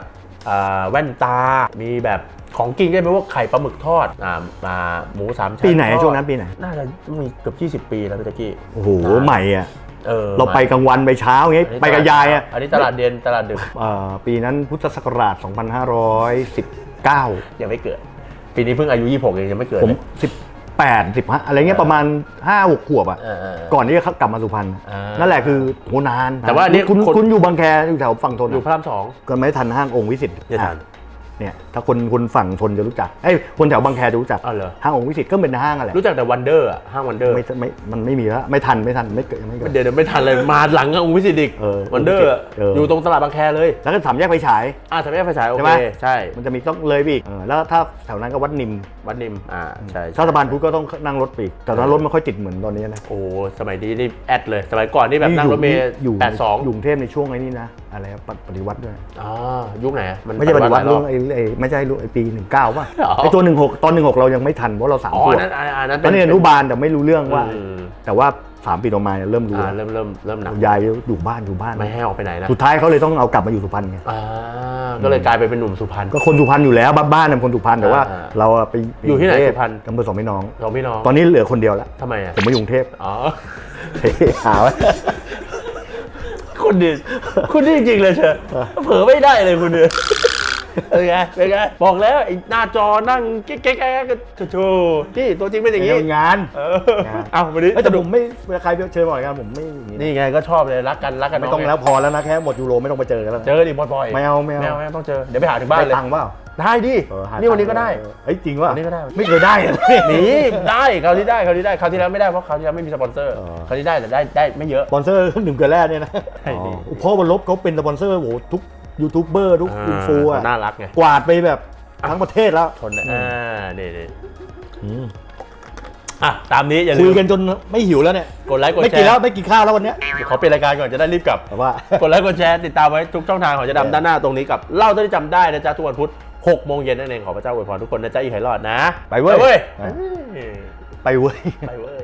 [SPEAKER 1] อ่าแว่นตา มีแบบของกินก็เป็นพวกไข่ปลาหมึกทอดอ่าอ่าหมูสามชั้น
[SPEAKER 2] ปีไหน
[SPEAKER 1] ทอด
[SPEAKER 2] ช่วงนั้นปีไหน
[SPEAKER 1] น่าจะมีเกือบยี่สิบปีแล้วพี่แจ๊กกี้
[SPEAKER 2] โอ้โหใหม่อ่ะ
[SPEAKER 1] เออ
[SPEAKER 2] เราไปกลางวันไปเช้าอย่างเงี้ย
[SPEAKER 1] อันนี้
[SPEAKER 2] ไปกับยายอ่ะ
[SPEAKER 1] อันนี้ตลาดเย็นตลาดดึก
[SPEAKER 2] เอ่อปีนั้นพุทธศักราชสองพันห้าร้อยสิบเก้า
[SPEAKER 1] ยังไม่เกิด ปีนี้เพิ่งอายุยี่สิบหกเองยังไม่เกิด
[SPEAKER 2] ผม
[SPEAKER 1] เลย
[SPEAKER 2] สิบแปด สิบห้าอะไรเงี้ยประมาณห้าหกขวบอ่ะ
[SPEAKER 1] เออเออเออ
[SPEAKER 2] ก่อนที่จะกลับมาสุพรรณ
[SPEAKER 1] อ่านั่
[SPEAKER 2] นั่นแหละคือโหนาน
[SPEAKER 1] แต่ว่าอันนี้
[SPEAKER 2] คุณ
[SPEAKER 1] คน
[SPEAKER 2] คุณอยู่บางแคอยู่แถวฝั่งทน
[SPEAKER 1] อยู่พระรามสอง
[SPEAKER 2] ก็ไม่ทันห้างองค์วิสิต
[SPEAKER 1] อย่าทัน
[SPEAKER 2] เนี่ยถ้าคนคนฝั่งทนจะรู้จักเอ้ยคนแถวบางแคจะรู้จัก
[SPEAKER 1] อ้าวเหรอ
[SPEAKER 2] ห้างองค์วิสิตก็เป็นห้างอะไร
[SPEAKER 1] รู้จักแต่วันเดอร์อะห้างวันเดอร์
[SPEAKER 2] ไม่ไม่มันไม่มีแล้วไม่ทันไม่ทันไม่เกิดยังไม่เกิด
[SPEAKER 1] เดี๋ยวเดี๋ยวไม่ทันเลยมาหลังองค์วิสิตอีก
[SPEAKER 2] เออ
[SPEAKER 1] วันเดอร์
[SPEAKER 2] เออ
[SPEAKER 1] อยู่ตรงตลาดบางแคเลย
[SPEAKER 2] แล้วก็สามแยกไฟฉาย
[SPEAKER 1] อ่าสามแยกไฟฉายโอ
[SPEAKER 2] ใช่
[SPEAKER 1] เค
[SPEAKER 2] ไหม
[SPEAKER 1] ใช่
[SPEAKER 2] มันจะมีต้องเลยไปอีกเออแล้วถ้าแถวนั้นก็วัดนิม
[SPEAKER 1] วัดนิมอ่าใช่
[SPEAKER 2] ถ้าสะพานพุทธก็ต้องนั่งรถไปอีกแต่ตอนนั้นรถไม่ค่อยติดเหมือนตอนนี้นะ
[SPEAKER 1] โอ้สมัยนี้นี่แอดเลยสมัยก่อนนี่แบบนั่งรถเมล์
[SPEAKER 2] อยู่
[SPEAKER 1] แปดสอง
[SPEAKER 2] อยู่กรุงเทพในช่วงไอ้นี้นะอะไรอะปปฏิวัติด้วย
[SPEAKER 1] อ๋อยุคไหนอะน
[SPEAKER 2] ไม่ใช่ปฏิวัติ
[SPEAKER 1] หลายร
[SPEAKER 2] เรื่
[SPEAKER 1] อ
[SPEAKER 2] อบ งไอ้ไอ้ไม่ใช่ไอ้ปีหนึ่งเก้าป่ะ
[SPEAKER 1] อ๋อ
[SPEAKER 2] ไอ้ตัวหนึ่งหกตอนหนึ่งหกเรายังไม่ทันเพราะเราสาม
[SPEAKER 1] อ๋อ
[SPEAKER 2] ขว
[SPEAKER 1] อั
[SPEAKER 2] บ
[SPEAKER 1] นนั้นอันอันนั้น
[SPEAKER 2] ตอนนี้อนุบาลแต่ไม่รู้เรื่องว่า
[SPEAKER 1] อืม
[SPEAKER 2] แต่ว่าสามปีต่อมาเนี่ยเริ่มรู้
[SPEAKER 1] อ่า
[SPEAKER 2] แล้ว
[SPEAKER 1] เริ่มเริ่มเริ่มหนัก
[SPEAKER 2] ยายอยู่บ้านอยู่บ้าน
[SPEAKER 1] ไม่ให้ออกไปไหนนะ
[SPEAKER 2] สุดท้ายเขาเลยต้องเอากลับมาอยู่สุพรรณไง
[SPEAKER 1] อ่าก็เลยกลายไปเป็นหนุ่มสุพรรณ
[SPEAKER 2] ก็คนสุพรรณอยู่แล้วบ้านบ้านเป็นคนสุพรรณแต่ว่า
[SPEAKER 1] อ่า
[SPEAKER 2] เราอะไป
[SPEAKER 1] อยู่ที่ไหน
[SPEAKER 2] กงเท
[SPEAKER 1] สุพรรณ
[SPEAKER 2] อำเภอสองพี่น้อง
[SPEAKER 1] สองพี่น้อง
[SPEAKER 2] ตอนนี้เหลือคนเดียวแล้ว
[SPEAKER 1] ทำไมอ่ะ
[SPEAKER 2] ผมมาอยู่กรุงเทพ
[SPEAKER 1] อ๋อ
[SPEAKER 2] หาไว้
[SPEAKER 1] คุณดิคุณนี่จริงๆเลยเชอะเผลอไม่ได้เลยคุณเนี่ยเป็นไงเป็นไงบอกแล้วไอ้หน้าจอนั่งแก๊กแก๊กแก๊กก็โชว์ที่ตัวจริงเป็นอย่างนี้
[SPEAKER 2] งาน
[SPEAKER 1] เออเอาวันนี้
[SPEAKER 2] เอ้ยแต่ผมไม่เวลาใครเชิญมาออกงานผมไม่อย่างนี้นะ
[SPEAKER 1] นี่ไงก็ชอบเลยรักกันรักกัน
[SPEAKER 2] ไม่ต้อง
[SPEAKER 1] น้
[SPEAKER 2] แล้วพอแล้วนะแค่หมดยูโรไม่ต้องไปเจอกันแล้วนะ
[SPEAKER 1] เจอดิบ่อยๆ
[SPEAKER 2] ไม่เอาไม่เอา
[SPEAKER 1] ไม่เอาไม่เอาต้องเจอเดี๋ยวไปหาถึงบ้าน
[SPEAKER 2] ได้
[SPEAKER 1] เลย
[SPEAKER 2] ตังค์เปล่า
[SPEAKER 1] ได้ดิ
[SPEAKER 2] เออหา
[SPEAKER 1] นี่วันนี้ก็ได้
[SPEAKER 2] เฮ้ยจริงว่ะ
[SPEAKER 1] วันนี้ก็ได้
[SPEAKER 2] ไม่เคยได้เลย
[SPEAKER 1] นี่ได้คราวนี้ได้คราวนี้ได้คราวที่แล้วไม่ได้เพราะคราวที่แล้วไม่มีสปอนเซอร์
[SPEAKER 2] เออ
[SPEAKER 1] คราวนี้ได้แต่ได้ได้ไม่เยอะ
[SPEAKER 2] สปอนเซอร์หนึ่งเกลือแร่เนี่ยนะ
[SPEAKER 1] ใช่ดิ
[SPEAKER 2] อ๋อเพราะวันลบเขาเป็นสปอนเซอร์โหทุกยูทูบเบอร์ทุกอินฟูอะ
[SPEAKER 1] น่ารักไง
[SPEAKER 2] กวาดไปแบบทั้งประเทศแล้ว
[SPEAKER 1] ทนนะอ่านี่นี่
[SPEAKER 2] อืม
[SPEAKER 1] อ่ะตามนี้อย่าลื
[SPEAKER 2] คุ
[SPEAKER 1] ม
[SPEAKER 2] ยกันจนไม่หิวแล้วเนี่ย
[SPEAKER 1] กดไลค์กด
[SPEAKER 2] ไม่
[SPEAKER 1] แช
[SPEAKER 2] กิน
[SPEAKER 1] ร์
[SPEAKER 2] แล้วไม่กินข้าวแล้ววันเนี้ย
[SPEAKER 1] ขอเปลี่ยนรายการก่อนจะได้รีบกลับ
[SPEAKER 2] แต่ว่า
[SPEAKER 1] กดไลค์กดแชร์ติดตามไว้ทุกช่องทางของจะดำด้านหน้าตรงนี้กับเล่าเท่าที่จำได้นะจ๊ะทุกวันพุธหกโมงเย็นนั่นเองขอพระเจ้าอวยพรทุกคนนะจ๊ะอีกหลายรอดนะ
[SPEAKER 2] ไปเว้ย
[SPEAKER 1] ไปเว้ย
[SPEAKER 2] ไปเว้ย
[SPEAKER 1] ไปเว้ย